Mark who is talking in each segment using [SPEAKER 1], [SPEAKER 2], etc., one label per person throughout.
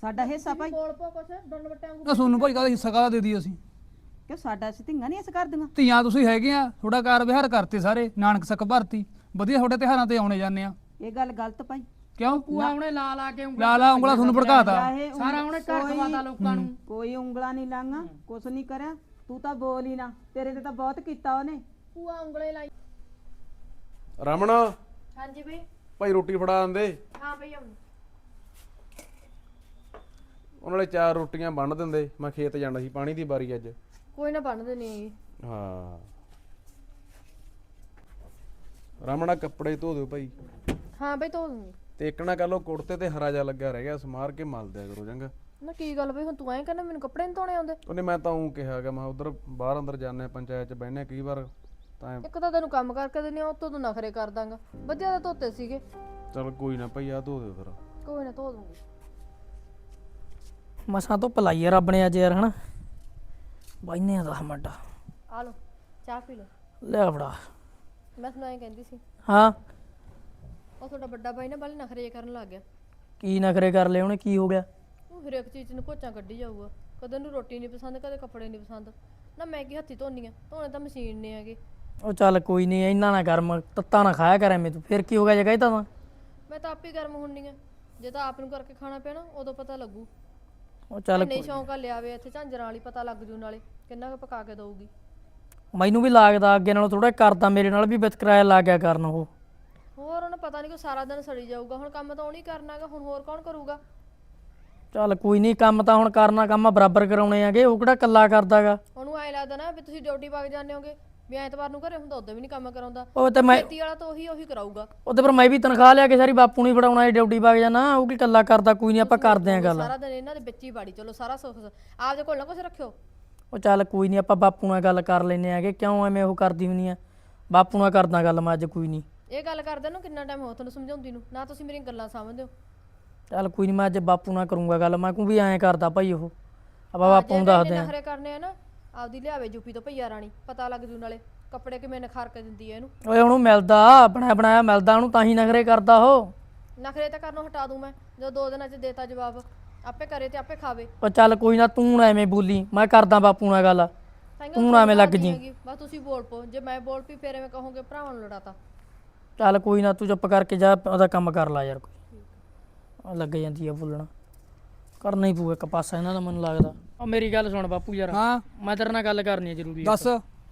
[SPEAKER 1] ਸਾਡਾ ਹਿੱਸਾ ਭਾਈ
[SPEAKER 2] ਬੋਲ ਪੋ ਕੁਛ ਡੰਡ ਵਟਿਆਂ ਨੂੰ
[SPEAKER 3] ਨਾ ਤੁਹਾਨੂੰ ਭਾਈ ਕਾਹਦਾ ਹਿੱਸਾ ਕਾਹਦਾ ਦੇ ਦਈਏ ਅਸੀਂ?
[SPEAKER 1] ਕਿ ਸਾਡਾ ਅਸੀਂ ਧੀਆਂ ਨਹੀਂ ਇਸ ਕਰਦੀਆਂ।
[SPEAKER 3] ਧੀਆਂ ਤੁਸੀਂ ਹੈਗੇ ਆ, ਥੋੜਾ ਕਾਰ ਵਿਹਾਰ ਕਰਤੇ ਸਾਰੇ, ਨਾਨਕ ਸੱਕ ਭਰਤੀ, ਵਧੀਆ ਤੁਹਾਡੇ ਤਿਉਹਾਰਾਂ ਤੇ ਆਉਣੇ ਜਾਂਦੇ ਆ।
[SPEAKER 1] ਇਹ ਗੱਲ ਗਲਤ ਭਾਈ।
[SPEAKER 3] ਕਿਉਂ?
[SPEAKER 2] ਪੂਆ ਉਹਨੇ ਲਾ ਕੇ
[SPEAKER 3] ਲਾ ਲਾ ਉਂਗਲਾ ਤੁਹਾਨੂੰ ਭੜਕਾਤਾ।
[SPEAKER 1] ਚਾਹੇ
[SPEAKER 2] ਸਾਰਾ ਉਹਨੇ ਘਰ ਖਵਾਤਾ ਲੋਕਾਂ ਨੂੰ।
[SPEAKER 1] ਕੋਈ ਉਂਗਲਾ ਨਹੀਂ ਲਾਂਗਾ, ਕੁਛ ਨਹੀਂ ਕਰਿਆ। ਤੂੰ ਤਾਂ ਬੋਲ ਹੀ ਨਾ, ਤੇਰੇ ਤੇ ਤਾਂ ਬਹੁਤ ਕੀਤਾ ਉਹਨੇ।
[SPEAKER 2] ਪੂਆ ਉਂਗਲੇ ਲਾਈ।
[SPEAKER 4] ਰਮਣ
[SPEAKER 2] ਹਾਂਜੀ ਬਈ।
[SPEAKER 4] ਭਾਈ ਰੋਟੀ ਫੜਾ ਦਿੰਦੇ।
[SPEAKER 2] ਹਾਂ ਬਈ ਆਉਂ।
[SPEAKER 4] ਉਹਨਾਂ ਨੇ 4 ਰੋਟੀਆਂ ਬੰਨ ਦਿੰਦੇ, ਮੈਂ ਖੇਤ ਜਾਣਾ ਸੀ, ਪਾਣੀ ਦੀ ਵਾਰੀ ਅੱਜ।
[SPEAKER 2] ਕੋਈ ਨਾ ਬੰਨਦੇ ਨਹੀਂ।
[SPEAKER 4] ਹਾਂ ਰਮਣਾ ਕੱਪੜੇ ਧੋ ਦਿਓ ਭਾਈ।
[SPEAKER 2] ਹਾਂ ਬਈ ਧੋ ਦੂੰਗੀ।
[SPEAKER 4] ਤੇ ਇੱਕ ਨਾ ਕਰ ਲਓ ਕੁੜਤੇ ਤੇ ਹਰਾ ਜਾ ਲੱਗਿਆ ਰਹਿ ਗਿਆ, ਸਮਾਰ ਕੇ ਮਲ ਦਿਆ ਕਰੋ ਚੰਗਾ।
[SPEAKER 2] ਨਾ ਕੀ ਗੱਲ ਬਈ, ਹੁਣ ਤੂੰ ਐਂ ਕਹਿੰਦਾ ਮੈਨੂੰ ਕੱਪੜੇ ਨਹੀਂ ਧੋਣੇ ਆਉਂਦੇ?
[SPEAKER 4] ਉਹਨੇ ਮੈਂ ਤਾਂ ਉਹ ਕਿਹਾਗਾ, ਮੈਂ ਉਧਰ ਬਾਹਰ ਅੰਦਰ ਜਾਂਦੇ ਪੰਚਾਇਤ ਚ ਬਹਿਨੇ ਕਈ ਵਾਰ ਤਾਂ।
[SPEAKER 2] ਇੱਕ ਤਾਂ ਤੈਨੂੰ ਕੰਮ ਕਰਕੇ ਦਿੰਨੀ ਆ, ਉੱਤੋਂ ਤੂੰ ਨਖਰੇ ਕਰ ਦਾਂਗਾ। ਵਧੀਆ ਤਾਂ ਧੋਤੇ ਸੀਗੇ।
[SPEAKER 4] ਚਲ ਕੋਈ ਨਾ ਭਾਈ, ਆ ਧੋ ਦਿਓ ਫਿਰ।
[SPEAKER 2] ਕੋਈ ਨਾ ਧੋ ਦੂੰਗੀ।
[SPEAKER 5] ਮਸਾਂ ਤੋਂ ਪਲਾਈ ਆ ਰੱਬ ਨੇ ਅੱਜ ਯਾਰ ਹਨਾ। ਬਾਈਨੇ 10 ਮਿੰਟ
[SPEAKER 2] ਆ ਲਓ ਚਾਹ ਪੀ ਲਓ।
[SPEAKER 5] ਲੈ ਫੜਾ।
[SPEAKER 2] ਮੈਂ ਤੁਹਾਨੂੰ ਐਂ ਕਹਿੰਦੀ ਸੀ,
[SPEAKER 5] ਹਾਂ
[SPEAKER 2] ਉਹ ਤੁਹਾਡਾ ਵੱਡਾ ਬਾਈ ਨਾ ਬਾਲੇ ਨਖਰੇ ਜਿਹੇ ਕਰਨ ਲੱਗ ਗਿਆ।
[SPEAKER 5] ਕੀ ਨਖਰੇ ਕਰ ਲਏ ਉਹਨੇ, ਕੀ ਹੋ ਗਿਆ?
[SPEAKER 2] ਉਹ ਹਰੇਕ ਚੀਜ਼ ਨੂੰ ਘੋਚਾਂ ਕੱਢੀ ਜਾਊਗਾ। ਕਦੇ ਨੂੰ ਰੋਟੀ ਨਹੀਂ ਪਸੰਦ, ਕਦੇ ਕੱਪੜੇ ਨਹੀਂ ਪਸੰਦ। ਨਾ ਮੈਂ ਕੀ ਹੱਥੀ ਧੋਨੀ ਆ, ਧੋਣੇ ਤਾਂ ਮਸ਼ੀਨ ਨੇ ਹੈਗੇ।
[SPEAKER 5] ਉਹ ਚੱਲ ਕੋਈ ਨਹੀਂ, ਇੰਨਾ ਨਾ ਗਰਮ ਤੱਤਾ ਨਾ ਖਾਇਆ ਕਰ ਐਵੇਂ ਤੂੰ। ਫਿਰ ਕੀ ਹੋ ਗਿਆ ਜੇ ਕਹਿਤਾ ਤਾਂ?
[SPEAKER 2] ਮੈਂ ਤਾਂ ਆਪ ਹੀ ਗਰਮ ਹੁੰਨੀ ਆ। ਜੇ ਤਾਂ ਆਪ ਨੂੰ ਕਰਕੇ ਖਾਣਾ ਪਿਆ ਨਾ, ਉਦੋਂ ਪਤਾ ਲੱਗੂ।
[SPEAKER 5] ਉਹ ਚੱਲ
[SPEAKER 2] ਨਹੀਂ ਸ਼ੌਂਕ ਆ ਲਿਆਵੇ ਇੱਥੇ ਝਾਂਜਰਾਂ ਵਾਲੀ, ਪਤਾ ਲੱਗ ਜੂ ਨਾਲੇ ਕਿੰਨਾ ਕੁ ਪਕਾ ਕੇ ਦਊਗੀ।
[SPEAKER 5] ਮੈਨੂੰ ਵੀ ਲੱਗਦਾ ਅੱਗੇ ਨਾਲੋਂ ਥੋੜਾ ਕਰਦਾ, ਮੇਰੇ ਨਾਲ ਵੀ ਵਿਤਕਰਾਇਆ ਲੱਗ ਗਿਆ ਕਰਨ ਉਹ।
[SPEAKER 2] ਹੋਰ ਉਹਨੂੰ ਪਤਾ ਨਹੀਂ ਕਿ ਸਾਰਾ ਦਿਨ ਸੜੀ ਜਾਊਗਾ। ਹੁਣ ਕੰਮ ਤਾਂ ਉਹਨੇ ਕਰਨਾਗਾ, ਹੁਣ ਹੋਰ ਕੌਣ ਕਰੂਗਾ?
[SPEAKER 5] ਚੱਲ ਕੋਈ ਨਹੀਂ, ਕੰਮ ਤਾਂ ਹੁਣ ਕਰਨਾ, ਕੰਮ ਬਰਾਬਰ ਕਰਾਉਣੇ ਆਗੇ। ਉਹ ਕਿਹੜਾ ਕੱਲਾ ਕਰਦਾਗਾ।
[SPEAKER 2] ਉਹਨੂੰ ਐ ਲੱਗਦਾ ਨਾ ਵੀ ਤੁਸੀਂ ਡਿਊਟੀ ਵਗ ਜਾਂਦੇ ਹੋਗੇ, ਵੀ ਐਤਵਾਰ ਨੂੰ ਘਰੇ ਹੁੰਦਾ, ਉਦੋਂ ਵੀ ਨਹੀਂ ਕੰਮ ਕਰਾਉਂਦਾ।
[SPEAKER 5] ਉਹ ਤੇ ਮੈਂ
[SPEAKER 2] ਖੇਤੀ ਵਾਲਾ ਤਾਂ ਉਹੀ ਕਰਾਊਗਾ।
[SPEAKER 5] ਉਹਦੇ ਪਰ ਮੈਂ ਵੀ ਤਨਖਾਹ ਲਿਆ ਕੇ ਸਾਰੀ ਬਾਪੂ ਨੂੰ ਫੜਾਉਣਾ ਹੈ, ਡਿਊਟੀ ਵਗ ਜਾਣਾ। ਉਹ ਕੀ ਕੱਲਾ ਕਰਦਾ? ਕੋਈ ਨਹੀਂ, ਆਪਾਂ ਕਰਦੇ ਆਂ ਗੱਲ।
[SPEAKER 2] ਸਾਰਾ ਦਿਨ ਇਹਨਾਂ ਦੇ ਵਿੱਚ ਹੀ ਬਾੜੀ ਚਲੋ, ਸਾਰਾ ਸੁੱਖ ਆਪਦੇ ਕੋਲ ਨਾ ਕੁਛ ਰੱਖਿਓ।
[SPEAKER 5] ਉਹ ਚੱਲ ਕੋਈ ਨਹੀਂ, ਆਪਾਂ ਬਾਪੂ ਨਾਲ ਗੱਲ ਕਰ ਲੈਨੇ ਆਗੇ। ਕਿਉਂ ਐਵੇਂ ਉਹ ਕਰਦੀ ਹੁੰਨੀ ਆ? ਬਾਪੂ ਨਾਲ ਕਰਦਾ ਗੱਲ ਮੈਂ ਅੱਜ। ਕੋਈ ਨਹੀਂ,
[SPEAKER 2] ਇਹ ਗੱਲ ਕਰਦੇ ਨੂੰ ਕਿੰਨਾ ਟਾਈਮ ਹੋ ਤੁਹਾਨੂੰ ਸਮਝਾਉਂਦੀ ਨੂੰ, ਨਾ ਤੁਸੀਂ ਮੇਰੀਆਂ ਗੱਲਾਂ ਸਮਝਦੇ ਹੋ।
[SPEAKER 5] ਚੱਲ ਕੋਈ ਨਹੀਂ, ਮੈਂ ਅੱਜ ਬਾਪੂ ਨਾਲ ਕਰੂੰਗਾ ਗੱਲ। ਮੈਂ ਕਹੂੰ ਵੀ ਐਂ ਕਰਦਾ ਭਾਈ ਉਹ, ਆਪਾਂ ਬਾਪੂ ਨੂੰ ਦੱਸਦੇ ਆਂ।
[SPEAKER 2] ਨਖਰੇ ਕਰਨੇ ਆ ਨਾ, ਆਪਦੀ ਲਿਆਵੇ ਯੂਪੀ ਤੋਂ ਭਈਆ ਰਾਣੀ, ਪਤਾ ਲੱਗ ਜੂ ਨਾਲੇ ਕੱਪੜੇ ਕਿਵੇਂ ਨਖਾਰ ਕੇ ਦਿੰਦੀ ਐ ਇਹਨੂੰ।
[SPEAKER 5] ਓਏ ਉਹਨੂੰ ਮਿਲਦਾ, ਬਣਾਇਆ ਬਣਾਇਆ ਮਿਲਦਾ ਉਹਨੂੰ, ਤਾਂ ਹੀ ਨਖਰੇ ਕਰਦਾ ਉਹ।
[SPEAKER 2] ਨਖਰੇ ਤਾਂ ਕਰਨੋਂ ਹਟਾ ਦੂੰ ਮੈਂ, ਜਦੋਂ 2 ਦਿਨਾਂ 'ਚ ਦੇਤਾ ਜਵਾਬ। ਆਪੇ ਕਰੇ ਤੇ ਆਪੇ ਖਾਵੇ।
[SPEAKER 5] ਉਹ ਚੱਲ ਕੋਈ ਨਾ, ਤੂੰ ਨਾ ਐਵੇਂ ਬੋਲੀ, ਮੈਂ ਕਰਦਾ ਬਾਪੂ ਨਾਲ ਗੱਲ। ਤੂੰ ਨਾ ਐਵੇਂ ਲੱਗ ਜੀ।
[SPEAKER 2] ਬਸ ਤੁਸੀਂ ਬੋਲ ਪੋ, ਜੇ ਮੈਂ ਬੋਲ ਪਈ ਫੇਰ ਐਵੇਂ ਕਹੋਗੇ ਭਰਾਵਾਂ ਨੂੰ ਲੜਾਤਾ।
[SPEAKER 5] ਚੱਲ ਕੋਈ ਨਾ, ਤੂੰ ਚੁੱਪ ਕਰਕੇ ਜਾ, ਉਹਦਾ ਕੰਮ ਕਰ ਲਾ ਯਾਰ। ਕੋਈ ਲੱਗ ਜਾਂਦੀ ਆ ਬੋਲਣਾ, ਕਰਨਾ ਹੀ ਪਊਗਾ ਇੱਕ ਪਾਸਾ ਇਹਨਾਂ ਦਾ ਮੈਨੂੰ ਲੱਗਦਾ। ਉਹ ਮੇਰੀ ਗੱਲ ਸੁਣ ਬਾਪੂ ਯਾਰ।
[SPEAKER 3] ਹਾਂ
[SPEAKER 5] ਮੈਂ ਤੇਰੇ ਨਾਲ ਗੱਲ ਕਰਨੀ ਆ ਜ਼ਰੂਰੀ।
[SPEAKER 3] ਦੱਸ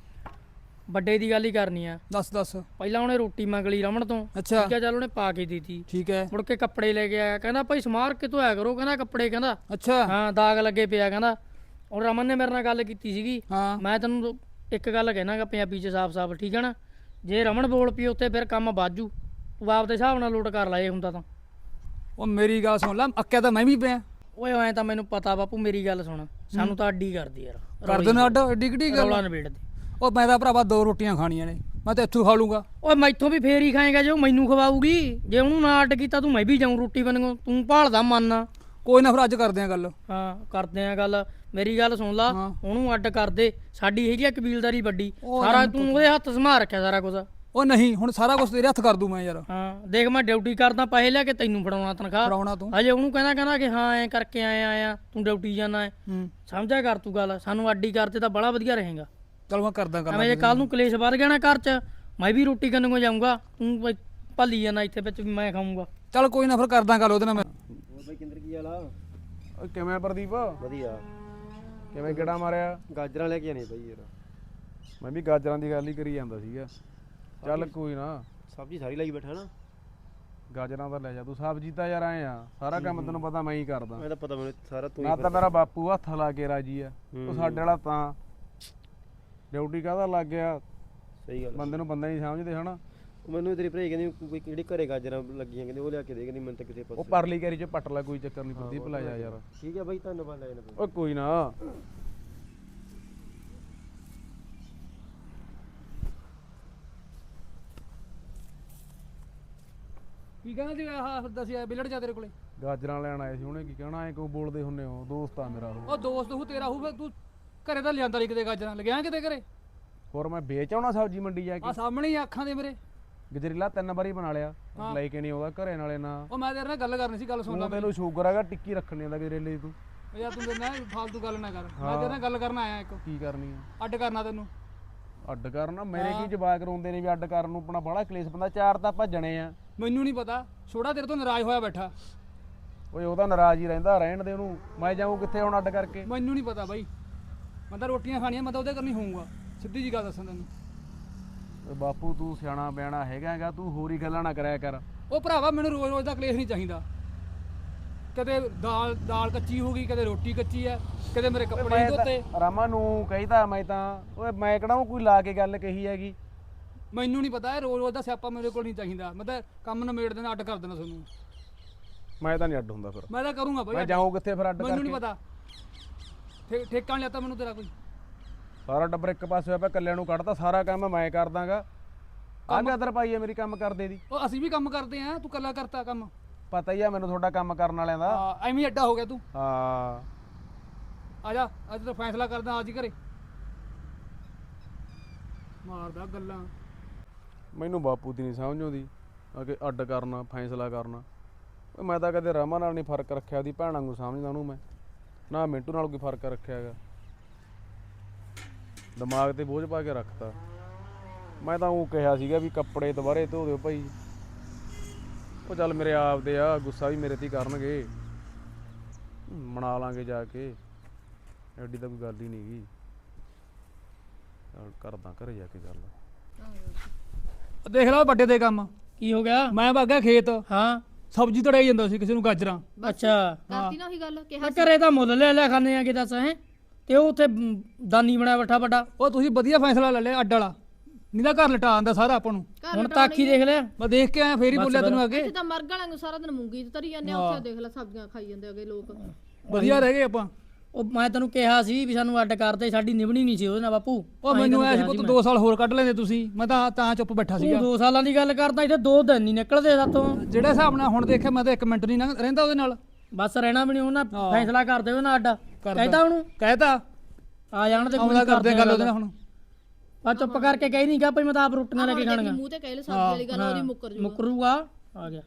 [SPEAKER 5] ਵੱਡੇ ਦੀ ਗੱਲ ਹੀ ਕਰਨੀ ਆ।
[SPEAKER 3] ਦੱਸ ਦੱਸ।
[SPEAKER 5] ਪਹਿਲਾਂ ਉਹਨੇ ਰੋਟੀ ਮੰਗ ਲਈ ਰਮਣ ਤੋਂ,
[SPEAKER 3] ਅੱਛਾ
[SPEAKER 5] ਠੀਕ ਆ, ਚੱਲ ਉਹਨੇ ਪਾ ਕੇ ਦਿੱਤੀ।
[SPEAKER 3] ਠੀਕ ਹੈ।
[SPEAKER 5] ਮੁੜ ਕੇ ਕੱਪੜੇ ਲੈ ਕੇ ਆਇਆ, ਕਹਿੰਦਾ ਭਾਈ ਸਮਾਰ ਕਿਤੋਂ ਆਇਆ ਕਰੋ, ਕਹਿੰਦਾ ਕੱਪੜੇ, ਕਹਿੰਦਾ
[SPEAKER 3] ਅੱਛਾ
[SPEAKER 5] ਹਾਂ ਦਾਗ ਲੱਗੇ ਪਿਆ, ਕਹਿੰਦਾ। ਹੁਣ ਰਮਨ ਨੇ ਮੇਰੇ ਨਾਲ ਗੱਲ ਕੀਤੀ ਸੀਗੀ।
[SPEAKER 3] ਹਾਂ
[SPEAKER 5] ਮੈਂ ਤੈਨੂੰ ਇੱਕ ਗੱਲ ਕਹਿਣਾਗਾ ਪੰਜਾਬੀ ਚ ਸਾਫ਼-ਸਾਫ਼, ਠੀਕ ਹੈ ਨਾ? ਜੇ ਰਮਨ ਬੋਲ ਪਈ ਉੱਥੇ ਫਿਰ ਕੰਮ ਬਾਜੂ। ਤੂੰ ਆਪਦੇ ਹਿਸਾਬ ਨਾਲ ਲੋਟ ਕਰ ਲਾ ਇਹ ਹੁੰਦਾ ਤਾਂ।
[SPEAKER 3] ਉਹ ਮੇਰੀ ਗੱਲ ਸੁਣ ਲੈ, ਅੱਕਿਆ ਤਾਂ ਮੈਂ ਵੀ ਪਿਆ।
[SPEAKER 5] ਓਏ ਐਂ ਤਾਂ ਮੈਨੂੰ ਪਤਾ ਬਾਪੂ, ਮੇਰੀ ਗੱਲ ਸੁਣ, ਸਾਨੂੰ ਤਾਂ ਅੱਡੀ ਕਰਦੀ ਯਾਰ।
[SPEAKER 3] ਕਰ ਦੇਣਾ ਅੱਡ, ਏਡੀ ਕਿੱਡੀ ਗੱਲ।
[SPEAKER 5] ਰੌਲਾ ਨਿਬੇੜ ਦੇ।
[SPEAKER 3] ਉਹ ਮੈਂ ਤਾਂ ਭਰਾਵਾ 2 ਰੋਟੀਆਂ ਖਾਣੀਆਂ ਨੇ, ਮੈਂ ਤਾਂ ਇੱਥੋਂ ਖਾ ਲੂੰਗਾ।
[SPEAKER 5] ਓਏ ਮੈਥੋਂ ਵੀ ਫੇਰ ਹੀ ਖਾਏਗਾ ਜੇ ਉਹ ਮੈਨੂੰ ਖਵਾਊਗੀ। ਜੇ ਉਹਨੂੰ ਨਾ ਅੱਡ ਕੀਤਾ ਤੂੰ ਮੈਂ ਵੀ ਜਾਊਂ ਰੋਟੀ ਬਣਨ। ਤੂੰ ਭਾਲਦਾ ਮੰਨ।
[SPEAKER 3] ਕੋਈ ਨਾ ਫਿਰ ਅੱਜ ਕਰਦੇ ਆਂ ਗੱਲ।
[SPEAKER 5] ਹਾਂ ਕਰਦੇ ਆ ਗੱਲ, ਮੇਰੀ ਗੱਲ ਸੁਣ ਲਾ।
[SPEAKER 3] ਹਾਂ।
[SPEAKER 5] ਉਹਨੂੰ ਅੱਡ ਕਰ ਦੇ, ਸਾਡੀ ਹੈਗੀ ਆ ਕਬੀਲਦਾਰੀ ਵੱਡੀ,
[SPEAKER 3] ਉਹ
[SPEAKER 5] ਸਾਰਾ ਤੂੰ ਉਹਦੇ ਹੱਥ ਸੰਭਾਲ ਰੱਖਿਆ ਸਾਰਾ ਕੁਝ।
[SPEAKER 3] ਉਹ ਨਹੀਂ, ਹੁਣ ਸਾਰਾ ਕੁਝ ਤੇਰੇ ਹੱਥ ਕਰ ਦੂੰ ਮੈਂ ਯਾਰ।
[SPEAKER 5] ਹਾਂ ਦੇਖ, ਮੈਂ ਡਿਊਟੀ ਕਰਦਾ, ਪੈਸੇ ਲੈ ਕੇ ਤੈਨੂੰ ਫੜਾਉਣਾ ਤਨਖਾਹ।
[SPEAKER 3] ਫੜਾਉਣਾ ਤੂੰ।
[SPEAKER 5] ਹਜੇ ਉਹਨੂੰ ਕਹਿੰਦਾ ਕਿ ਹਾਂ ਐਂ ਕਰਕੇ ਆਇਆ ਤੂੰ ਡਿਊਟੀ ਜਾਣਾ ਹੈ। ਸਮਝਿਆ ਕਰ ਤੂੰ ਗੱਲ, ਸਾਨੂੰ ਅੱਡੀ ਕਰਦੇ ਤਾਂ ਬੜਾ ਵਧੀਆ ਰਹੇਗਾ।
[SPEAKER 3] ਚਲ ਮੈਂ ਕਰਦਾ ਗੱਲ।
[SPEAKER 5] ਐਵੇਂ ਜੇ ਕੱਲ ਨੂੰ ਕਲੇਸ਼ ਵੱਧ ਗਿਆ ਨਾ ਘਰ 'ਚ, ਮੈਂ ਵੀ ਰੋਟੀ ਕਰਨ ਨੂੰ ਜਾਊਂਗਾ, ਤੂੰ ਭੱਲੀ ਜਾਣਾ ਇੱਥੇ ਵਿੱਚ ਵੀ ਮੈਂ ਖਾਊਂਗਾ।
[SPEAKER 3] ਚਲ ਕੋਈ ਨਾ ਫਿਰ ਕਰਦਾ ਗੱਲ ਉਹਦੇ ਨਾਲ ਮੈਂ।
[SPEAKER 6] ਬਈ ਕਿੰਦਰ ਕੀ ਹਾਲ ਆ?
[SPEAKER 4] ਓਏ ਕਿਵੇਂ ਪ੍ਰਦੀਪ?
[SPEAKER 6] ਵਧੀਆ।
[SPEAKER 4] ਕਿਵੇਂ ਗੇੜਾ ਮਾਰਿਆ?
[SPEAKER 6] ਗਾਜਰਾਂ ਲੈ ਕੇ ਆਣੀ ਬਈ ਯਾਰ।
[SPEAKER 4] ਮੈਂ ਵੀ ਗਾਜਰਾਂ ਦੀ ਗੱਲ ਹੀ ਕਰੀ ਜਾਂਦਾ ਸੀਗਾ। ਚੱਲ ਕੋਈ ਨਾ,
[SPEAKER 6] ਸਬਜ਼ੀ ਸਾਰੀ ਲਾਈ ਬੈਠਾ ਨਾ।
[SPEAKER 4] ਗਾਜਰਾਂ ਤਾਂ ਲੈ ਜਾ ਤੂੰ, ਸਬਜ਼ੀ ਤਾਂ ਯਾਰ ਆਏ ਆ, ਸਾਰਾ ਕੰਮ ਤੈਨੂੰ ਪਤਾ ਮੈਂ ਹੀ ਕਰਦਾ।
[SPEAKER 6] ਮੈਂ ਤਾਂ ਪਤਾ ਮੈਨੂੰ ਸਾਰਾ ਤੂੰ
[SPEAKER 4] ਨਾ ਤਾਂ ਮੇਰਾ ਬਾਪੂ ਹੱਥ ਲਾ ਕੇ ਰਾਜੀ ਆ, ਉਹ ਸਾਡੇ ਵਾਲਾ ਤਾਂ ਡਿਊਟੀ ਕਾਹਦਾ ਲੱਗ ਗਿਆ।
[SPEAKER 6] ਸਹੀ ਗੱਲ।
[SPEAKER 4] ਬੰਦੇ ਨੂੰ ਬੰਦਾ ਨਹੀਂ ਸਮਝਦੇ ਹਨਾ।
[SPEAKER 6] ਮੈਨੂੰ ਤੇਰੀ ਭਰੇ ਕਹਿੰਦੀ ਕੋਈ ਕਿਹੜੇ ਘਰੇ ਗਾਜਰਾਂ ਲੱਗੀਆਂ, ਕਹਿੰਦੇ ਉਹ ਲਿਆ ਕੇ ਦੇ, ਕਹਿੰਦੀ ਮੈਨੂੰ ਤਾਂ ਕਿਸੇ
[SPEAKER 4] ਉਹ
[SPEAKER 6] ਪਾਸੇ।
[SPEAKER 4] ਪਰਲੀ ਕੈਰੀ ਚ ਪੱਟ ਲੈ, ਕੋਈ ਚੱਕਰ ਨਹੀਂ ਪ੍ਰਦੀਪ, ਲੈ ਜਾ ਯਾਰ।
[SPEAKER 6] ਠੀਕ ਹੈ ਬਈ, ਧੰਨਵਾਦ ਲੈ ਜਾਣਾ।
[SPEAKER 4] ਓਏ ਕੋਈ ਨਾ।
[SPEAKER 3] ਕੀ ਕਹਿੰਦਾ ਸੀ ਆਹ ਦੱਸਿਆ ਬਿਲੜ ਜਾ ਤੇਰੇ ਕੋਲੇ?
[SPEAKER 4] ਗਾਜਰਾਂ ਲੈਣ ਆਏ ਸੀ, ਉਹਨੇ ਕੀ ਕਹਿਣਾ, ਐ ਕਿਉਂ ਬੋਲਦੇ ਹੁੰਨੇ ਹੋ? ਦੋਸਤ ਆ ਮੇਰਾ ਉਹ।
[SPEAKER 3] ਉਹ ਦੋਸਤ ਹੂ ਤੇਰਾ ਹੂ, ਤੂੰ ਘਰੇ ਤਾਂ ਲਿਆਂਦਾ ਨਹੀਂ ਕਿਤੇ ਗਾਜਰਾਂ, ਲਗਿਆ ਕਿਤੇ ਘਰੇ?
[SPEAKER 4] ਹੋਰ ਮੈਂ ਵੇਚ ਆਉਣਾ ਸਬਜ਼ੀ ਮੰਡੀ ਜਾ
[SPEAKER 3] ਆ
[SPEAKER 4] ਕੇ।
[SPEAKER 3] ਸਾਹਮਣੇ ਹੀ ਅੱਖਾਂ ਦੇ ਮੇਰੇ।
[SPEAKER 4] ਗਜਰੀਲਾ 3 ਵਾਰੀ ਬਣਾ ਲਿਆ ਲੈ ਕੇ ਨਹੀਂ ਆਉਂਦਾ ਘਰੇ ਨਾਲੇ ਨਾ
[SPEAKER 3] ਉਹ ਮੈਂ ਤੇਰੇ ਨਾਲ ਗੱਲ ਕਰਨੀ ਸੀ, ਗੱਲ ਸੁਣ ਲੈ
[SPEAKER 4] ਤੂੰ ਤੈਨੂੰ ਸ਼ੂਗਰ ਹੈਗਾ ਟਿੱਕੀ ਰੱਖਣੀ ਆਂਦਾ ਗਜਰੇਲੇ ਤੂੰ
[SPEAKER 3] ਉਹ ਯਾਰ ਤੂੰ ਮੇਰੇ ਨਾਲ ਫਾਲਤੂ ਗੱਲ ਨਾ ਕਰ, ਮੈਂ ਤੇਰੇ ਨਾਲ ਗੱਲ ਕਰਨ ਆਇਆ ਇੱਕ,
[SPEAKER 4] ਕੀ ਕਰਨੀ ਆ
[SPEAKER 3] ਅੱਡ ਕਰਨਾ ਤੈਨੂੰ।
[SPEAKER 4] ਅੱਡ ਕਰਨਾ ਮੇਰੇ ਕੀ ਜਵਾਕ ਰੋਂਦੇ ਨੇ ਵੀ ਅੱਡ ਕਰਨ ਨੂੰ ਆਪਣਾ ਬੜਾ ਕਲੇਸ਼ ਬੰਦਾ, 4 ਤਾਂ ਭੱਜਣੇ ਆ।
[SPEAKER 3] ਮੈਨੂੰ ਨਹੀਂ ਪਤਾ, ਛੋੜਾ ਤੇਰੇ ਤੋਂ ਨਾਰਾਜ਼ ਹੋਇਆ ਬੈਠਾ।
[SPEAKER 4] ਓਏ ਉਹਦਾ ਨਾਰਾਜ਼ ਹੀ ਰਹਿੰਦਾ, ਰਹਿਣ ਦੇ ਉਹਨੂੰ, ਮੈਂ ਜਾਊਂ ਕਿੱਥੇ ਹੁਣ ਅੱਡ ਕਰਕੇ।
[SPEAKER 3] ਮੈਨੂੰ ਨਹੀਂ ਪਤਾ ਬਾਈ, ਮੈਂ ਤਾਂ ਰੋਟੀਆਂ ਖਾਣੀਆਂ, ਮੈਂ ਤਾਂ ਉਹਦੇ ਕਰਨੀ ਹੋਊਗਾ, ਸਿੱਧੀ ਜੀ ਗੱਲ ਦੱਸਾਂ ਤੈਨੂੰ।
[SPEAKER 4] ਓਏ ਬਾਪੂ ਤੂੰ ਸਿਆਣਾ ਬਿਆਣਾ ਹੈਗਾ, ਤੂੰ ਹੋਰ ਹੀ ਗੱਲਾਂ ਨਾ ਕਰਿਆ ਕਰ।
[SPEAKER 3] ਉਹ ਭਰਾਵਾ ਮੈਨੂੰ ਰੋਜ਼ ਰੋਜ਼ ਦਾ ਕਲੇਸ਼ ਨਹੀਂ ਚਾਹੀਦਾ, ਕਦੇ ਦਾਲ ਕੱਚੀ ਹੋ ਗਈ, ਕਦੇ ਰੋਟੀ ਕੱਚੀ ਹੈ, ਕਦੇ ਮੇਰੇ ਕੱਪੜੇ ਨਹੀਂ ਧੋਤੇ।
[SPEAKER 4] ਰਾਮਾ ਨੂੰ ਕਹੀਦਾ ਮੈਂ ਤਾਂ, ਓਏ ਮੈਂ ਕਿਹੜਾ ਉਹ ਕੋਈ ਲਾ ਕੇ ਗੱਲ ਕਹੀ ਹੈਗੀ।
[SPEAKER 3] ਮੈਨੂੰ ਨਹੀਂ ਪਤਾ, ਇਹ ਰੋਜ਼ ਰੋਜ਼ ਦਾ ਸਿਆਪਾ ਮੇਰੇ ਕੋਲ ਨਹੀਂ ਚਾਹੀਦਾ, ਮੈਂ ਤਾਂ ਕੰਮ ਨਿਬੇੜ ਦੇਣਾ, ਅੱਡ ਕਰ ਦੇਣਾ ਤੁਹਾਨੂੰ।
[SPEAKER 4] ਮੈਂ ਤਾਂ ਨਹੀਂ ਅੱਡ ਹੁੰਦਾ ਫਿਰ,
[SPEAKER 3] ਮੈਂ ਤਾਂ ਕਰੂੰਗਾ ਬਾਈ,
[SPEAKER 4] ਮੈਂ ਜਾਊਂ ਕਿੱਥੇ ਫਿਰ ਅੱਡ ਕਰਕੇ।
[SPEAKER 3] ਮੈਨੂੰ ਨਹੀਂ ਪਤਾ, ਠੇਕਾ ਨਹੀਂ ਲੈਤਾ ਮੈਨੂੰ ਤੇਰਾ ਕੋਈ।
[SPEAKER 4] ਸਾਰਾ ਟੱਬਰ ਇੱਕ ਪਾਸੇ ਹੋਇਆ ਪਿਆ, ਕੱਲਿਆਂ ਨੂੰ ਕੱਢਤਾ, ਸਾਰਾ ਕੰਮ ਮੈਂ ਕਰ ਦਾਂਗਾ। ਆਹ ਗਦਰ ਪਾਈ ਹੈ ਮੇਰੀ ਕੰਮ ਕਰਦੇ ਦੀ।
[SPEAKER 3] ਉਹ ਅਸੀਂ ਵੀ ਕੰਮ ਕਰਦੇ ਆਂ, ਤੂੰ ਕੱਲਾ ਕਰਤਾ ਕੰਮ।
[SPEAKER 4] ਪਤਾ ਹੀ ਆ ਮੈਨੂੰ ਤੁਹਾਡਾ ਕੰਮ ਕਰਨ ਵਾਲਿਆਂ ਦਾ।
[SPEAKER 3] ਹਾਂ ਐਵੇਂ ਹੀ ਅੱਡਾ ਹੋ ਗਿਆ ਤੂੰ।
[SPEAKER 4] ਹਾਂ
[SPEAKER 3] ਆ ਜਾ, ਅੱਜ ਤਾਂ ਫੈਸਲਾ ਕਰਦਾ, ਅੱਜ ਹੀ ਘਰੇ ਮਾਰਦਾ ਗੱਲਾਂ।
[SPEAKER 4] ਮੈਨੂੰ ਬਾਪੂ ਦੀ ਨਹੀਂ ਸਮਝ ਆਉਂਦੀ ਕਿ ਅੱਡ ਕਰਨਾ ਫੈਸਲਾ ਕਰਨਾ। ਓਏ ਮੈਂ ਤਾਂ ਕਦੇ ਰਮਾ ਨਾਲ ਨਹੀਂ ਫਰਕ ਰੱਖਿਆ, ਉਹਦੀ ਭੈਣਾਂ ਨੂੰ ਸਮਝਦਾ ਉਹਨੂੰ ਮੈਂ, ਨਾ ਮਿੰਟੂ ਨਾਲ ਕੋਈ ਫਰਕ ਰੱਖਿਆ ਹੈਗਾ। ਦਿਮਾਗ ਤੇ ਬੋਝ ਪਾ ਕੇ ਰੱਖਤਾ। ਮੈਂ ਤਾਂ ਉਹ ਕਿਹਾ ਸੀਗਾ ਵੀ ਕੱਪੜੇ ਦੁਬਾਰੇ ਧੋ ਦਿਓ ਭਾਈ। ਉਹ ਚੱਲ ਮੇਰੇ ਆਪ ਦੇ ਆ, ਗੁੱਸਾ ਵੀ ਮੇਰੇ ਤੇ ਹੀ ਕਰਨਗੇ, ਮਨਾ ਲਾਂਗੇ ਜਾ ਕੇ, ਐਡੀ ਤਾਂ ਕੋਈ ਗੱਲ ਹੀ ਨਹੀਂ ਗੀ। ਚੱਲ ਕਰਦਾ ਘਰੇ ਜਾ ਕੇ ਗੱਲ।
[SPEAKER 3] ਦੇਖ ਲਾ ਵੱਡੇ ਦੇ ਕੰਮ,
[SPEAKER 5] ਕੀ ਹੋ ਗਿਆ?
[SPEAKER 3] ਮੈਂ ਭਾਗਾ ਖੇਤ,
[SPEAKER 5] ਹਾਂ
[SPEAKER 3] ਸਬਜ਼ੀ ਤੜਾਈ ਜਾਂਦਾ ਸੀ ਕਿਸੇ ਨੂੰ ਗਾਜਰਾਂ।
[SPEAKER 5] ਅੱਛਾ
[SPEAKER 2] ਕਰਤੀ ਨਾ ਉਹੀ ਗੱਲ ਕਿਹਾ
[SPEAKER 5] ਮੈਂ ਘਰੇ ਤਾਂ ਮੁੱਲ ਲੈ ਲਿਆ ਖਾਣੇ ਆ ਕਿ ਦੱਸ ਹੈ, ਤੇ ਉਹ ਉੱਥੇ ਦਾਨੀ ਬਣਾਇਆ ਬੱਠਾ ਵੱਡਾ।
[SPEAKER 3] ਉਹ ਤੁਸੀਂ ਵਧੀਆ ਫੈਸਲਾ ਲੈ ਲਿਆ ਅੱਡ ਵਾਲਾ, ਨਹੀਂ ਤਾਂ ਘਰ ਲਟਾ ਆਂਦਾ ਸਾਰਾ ਆਪਾਂ ਨੂੰ।
[SPEAKER 5] ਹੁਣ ਤਾਂ ਅੱਖੀ ਦੇਖ ਲਿਆ।
[SPEAKER 3] ਮੈਂ ਦੇਖ ਕੇ ਆਇਆ, ਫੇਰ ਹੀ ਬੋਲਿਆ ਤੈਨੂੰ ਅੱਗੇ।
[SPEAKER 2] ਇੱਥੇ ਤਾਂ ਮਰਗ ਵਾਲਿਆਂ ਨੂੰ ਸਾਰਾ ਦਿਨ ਮੂੰਗੀ ਤਰੀ ਜਾਂਦੇ ਆ, ਉੱਥੇ ਦੇਖ ਲੈ ਸਬਜ਼ੀਆਂ ਖਾਈ ਜਾਂਦੇ ਅੱਗੇ ਲੋਕ।
[SPEAKER 3] ਵਧੀਆ ਰਹਿ ਗਏ ਆਪਾਂ।
[SPEAKER 5] ਉਹ ਮੈਂ ਤੈਨੂੰ ਕਿਹਾ ਸੀ ਵੀ ਸਾਨੂੰ ਅੱਡ ਕਰਦੇ, ਸਾਡੀ ਨਿਭਣੀ ਨਹੀਂ ਸੀ ਉਹਦੇ ਨਾਲ ਬਾਪੂ।
[SPEAKER 3] ਉਹ ਮੈਨੂੰ ਐ ਸੀ ਪੁੱਤ 2 ਸਾਲ ਹੋਰ ਕੱਢ ਲੈਂਦੇ ਤੁਸੀਂ, ਮੈਂ ਤਾਂ ਚੁੱਪ ਬੈਠਾ ਸੀਗਾ।
[SPEAKER 5] 2 ਸਾਲਾਂ ਦੀ ਗੱਲ ਕਰਦਾ, ਇੱਥੇ 2 ਦਿਨ ਨਹੀਂ ਨਿਕਲਦੇ ਸਾਤੋਂ।
[SPEAKER 3] ਜਿਹੜੇ ਹਿਸਾਬ ਨਾਲ ਹੁਣ ਦੇਖਿਆ, ਮੈਂ ਤਾਂ 1 ਮਿੰਟ ਨਹੀਂ ਰਹਿੰਦਾ ਉਹਦੇ ਨਾਲ।
[SPEAKER 5] ਬਸ ਰਹਿਣਾ ਵੀ ਨਹੀਂ, ਉਹਨਾਂ ਫੈਸਲਾ ਕਰਦੇ ਉਹਦੇ ਨਾਲ ਅੱਡ ਕਹਿਤਾ ਉਹਨੂੰ,
[SPEAKER 3] ਕਹਿਤਾ
[SPEAKER 5] ਆ ਜਾਣ ਤੇ
[SPEAKER 3] ਆਉਂਦਾ ਕਰਦੇ ਗੱਲ ਉਹਦੇ ਨਾਲ ਹੁਣ।
[SPEAKER 5] ਆ ਚੁੱਪ ਕਰਕੇ ਕਹੀ ਨਹੀਂ ਗਾ ਭਈ ਮੈਂ ਤਾਂ ਆਪ ਰੋਟੀਆਂ ਲੈ ਕੇ ਖਾਣੀਆਂ।
[SPEAKER 2] ਮੂੰਹ ਤੇ ਕਹਿ ਲੈ ਸਬਜ਼ੀ ਵਾਲੀ ਗੱਲ, ਉਹਦੀ ਮੁੱਕਰ ਜੂ।
[SPEAKER 5] ਮੁਕਰੂਗਾ ਆ ਗਿਆ।